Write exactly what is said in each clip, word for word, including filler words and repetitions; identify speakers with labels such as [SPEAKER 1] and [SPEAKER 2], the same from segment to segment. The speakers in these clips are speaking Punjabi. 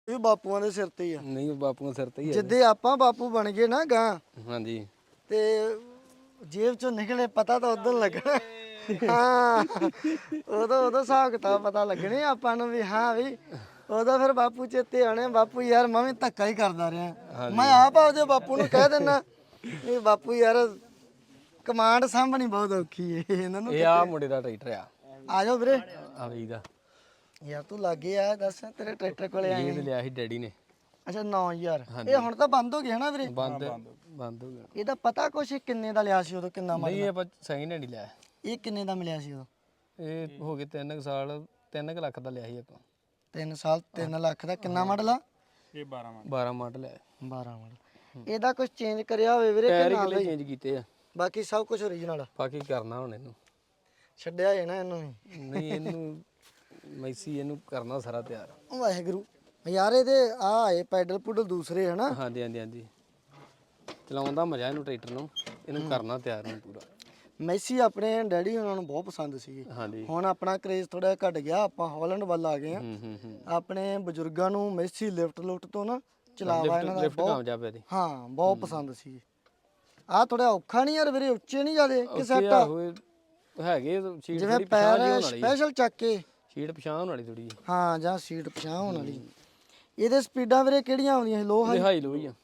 [SPEAKER 1] ਇਹ ਬਾਪੂਆਂ ਦੇ ਸਿਰ ਤੇ ਹੀ ਆ।
[SPEAKER 2] ਨਹੀਂ ਬਾਪੂਆਂ ਸਿਰ ਤੇ ਹੀ ਆ।
[SPEAKER 1] ਜਿੱਦੇ ਆਪਾਂ ਬਾਪੂ ਬਣ ਗਏ ਨਾ ਗਾਂ
[SPEAKER 2] ਹਾਂਜੀ
[SPEAKER 1] ਤੇ ਜੇਬ ਚੋਂ ਨਿਕਲੇ ਪਤਾ ਤਾਂ ਉਦੋਂ ਲੱਗਣਾ। ਹਾਂ ਉਦੋਂ ਉਦੋਂ ਹਿਸਾਬ ਕਿਤਾਬ ਪਤਾ ਲੱਗਣੇ ਆਪਾਂ ਨੂੰ ਵੀ ਹਾਂ ਵੀ ਉਦੋਂ ਫਿਰ ਬਾਪੂ ਚੇਤੇ ਆਣੇ ਬਾਪੂ ਯਾਰ ਮੈਂ ਵੀ ਧੱਕਾ ਹੀ ਕਰਦਾ ਰਿਹਾ। ਮੈਂ ਆਪ ਆਪਦੇ ਬਾਪੂ ਨੂੰ ਕਹਿ ਦਿੰਦਾ ਇਹ ਬਾਪੂ ਯਾਰ ਕਮਾਂਡ ਸਾਂਭਣੀ ਬਹੁਤ ਔਖੀ ਏ ਇਹਨਾਂ ਨੂੰ।
[SPEAKER 2] ਇਹ ਆ ਮੁੰਡੇ ਦਾ ਟਰੈਕਟਰ ਆ।
[SPEAKER 1] ਆ ਜਾਓ ਵੀਰੇ।
[SPEAKER 2] ਆ ਵੀ ਦਾ
[SPEAKER 1] ਯਾਰ ਤੂੰ ਲਾਗੇ ਆ ਦੱਸ ਤੇਰੇ ਟਰੈਕਟਰ ਕੋਲੇ ਆਏ।
[SPEAKER 2] ਇਹ ਲਿਆ ਸੀ ਡੈਡੀ ਨੇ।
[SPEAKER 1] ਅੱਛਾ ਨੌ ਹਜ਼ਾਰ ਇਹ ਹੁਣ ਤਾਂ ਬੰਦ ਹੋ ਗਿਆ ਨਾ ਵੀਰੇ।
[SPEAKER 2] ਬੰਦ ਬੰਦ ਹੋ ਗਿਆ।
[SPEAKER 1] ਇਹਦਾ ਪਤਾ ਕੁਛ ਕਿੰਨੇ ਦਾ ਲਿਆ ਸੀ ਉਦੋਂ ਕਿੰਨਾ
[SPEAKER 2] ਨਹੀਂ ਇਹ ਆਪਾਂ ਸੈਕਿੰਡ ਹੈਂਡ ਹੀ ਲਿਆ।
[SPEAKER 1] ਇਹ ਕਿੰਨੇ ਦਾ ਮਿਲਿਆ ਸੀ ਉਦੋਂ?
[SPEAKER 2] ਇਹ ਹੋ ਗਏ ਤਿੰਨ ਕੁ ਸਾਲ ਤਿੰਨ ਕੁ ਲੱਖ ਦਾ ਲਿਆ ਸੀ ਆਪਾਂ।
[SPEAKER 1] ਤਿੰਨ ਸਾਲ ਤਿੰਨ ਲੱਖ ਦਾ ਕਿੰਨਾ ਮਾਡਲ ਆ?
[SPEAKER 2] ਇਹ ਬਾਰਾਂ ਮਾਡਲ ਬਾਰਾਂ ਮਾਡਲ ਹੈ।
[SPEAKER 1] ਬਾਰਾਂ ਮਾਡਲ। ਇਹਦਾ ਕੁਝ ਚੇਂਜ ਕਰਿਆ ਹੋਵੇ ਵੀਰੇ
[SPEAKER 2] ਟਾਇਰ
[SPEAKER 1] ਕਿ
[SPEAKER 2] ਹੀ
[SPEAKER 1] ਨਾਲ
[SPEAKER 2] ਕਿਲੇ ਚੇਂਜ ਕੀਤੇ ਆ।
[SPEAKER 1] ਬਾਕੀ ਸਭ ਕੁਝ ਓਰੀਜਨਲ
[SPEAKER 2] ਬਾਕੀ ਕਰਨਾ ਹੁਣ ਇਹਨੂੰ
[SPEAKER 1] ਛੱਡਿਆ ਹੈ ਨਾ ਇਹਨੂੰ ਵੀ।
[SPEAKER 2] ਨਹੀਂ ਇਹਨੂੰ ਮੈਸੀ ਇਹਨੂੰ ਕਰਨਾ ਸਾਰਾ ਤਿਆਰ।
[SPEAKER 1] ਵਾਹਿਗੁਰੂ ਯਾਰ ਇਹਦੇ ਆ ਆਏ ਪੈਡਲ ਪੁਡਲ ਦੂਸਰੇ ਹਨਾ।
[SPEAKER 2] ਹਾਂਜੀ ਹਾਂਜੀ ਹਾਂਜੀ ਚਲਾਉਣ ਦਾ ਮਜ਼ਾ ਇਹਨੂੰ ਟਰੈਕਟਰ ਨੂੰ ਇਹਨੂੰ ਕਰਨਾ ਤਿਆਰ ਨੂੰ ਪੂਰਾ।
[SPEAKER 1] ਮੈਸੀ ਆਪਣੇ ਡੈਡੀ ਉਹਨਾਂ ਨੂੰ ਬਹੁਤ ਪਸੰਦ ਸੀਗੇ।
[SPEAKER 2] ਹਾਂਜੀ
[SPEAKER 1] ਹੁਣ ਆਪਣਾ ਕਰੇਜ਼ ਥੋੜਾ ਘਟ ਗਿਆ ਆਪਾਂ ਹਾਲੈਂਡ ਵੱਲ ਆ ਗਏ ਆ।
[SPEAKER 2] ਹੂੰ ਹੂੰ ਹੂੰ
[SPEAKER 1] ਆਪਣੇ ਬਜ਼ੁਰਗਾਂ ਨੂੰ ਮੈਸੀ ਲਿਫਟ ਲੁਫਟ ਤੋਂ ਨਾ ਚਲਾਵਾ ਇਹਨਾਂ ਦਾ
[SPEAKER 2] ਲਿਫਟ
[SPEAKER 1] ਬਹੁਤ
[SPEAKER 2] ਕਾਮਯਾਬ ਹੈ ਇਹਦੀ।
[SPEAKER 1] ਹਾਂ ਬਹੁਤ ਪਸੰਦ ਸੀ। ਆ ਥੋੜਾ ਔਖਾ ਨਹੀਂ ਯਾਰ ਵੀਰੇ ਉੱਚੇ ਨਹੀਂ ਜਾਦੇ ਕਿ ਸੈੱਟ
[SPEAKER 2] ਆ ਹੈਗੇ ਸੀਟ
[SPEAKER 1] ਜਿਵੇਂ
[SPEAKER 2] ਥੋੜੀ ਪਛਾਣ
[SPEAKER 1] ਪੈਰ
[SPEAKER 2] ਹੋਣ ਵਾਲੀ
[SPEAKER 1] ਸਪੈਸ਼ਲ ਚੱਕ ਕੇ
[SPEAKER 2] ਸੀਟ ਪਛਾਣ ਹੋਣ ਵਾਲੀ ਥੋੜੀ।
[SPEAKER 1] ਹਾਂ ਜਾਂ ਸੀਟ ਪਛਾਣ ਹੋਣ ਵਾਲੀ। ਇਹਦੇ ਸਪੀਡਾਂ ਵੀਰੇ ਕਿਹੜੀਆਂ ਆਉਂਦੀਆਂ ਸੀ? ਲੋ ਹਾਈ
[SPEAKER 2] ਹਾਈ ਲੋ ਹੀ ਆ।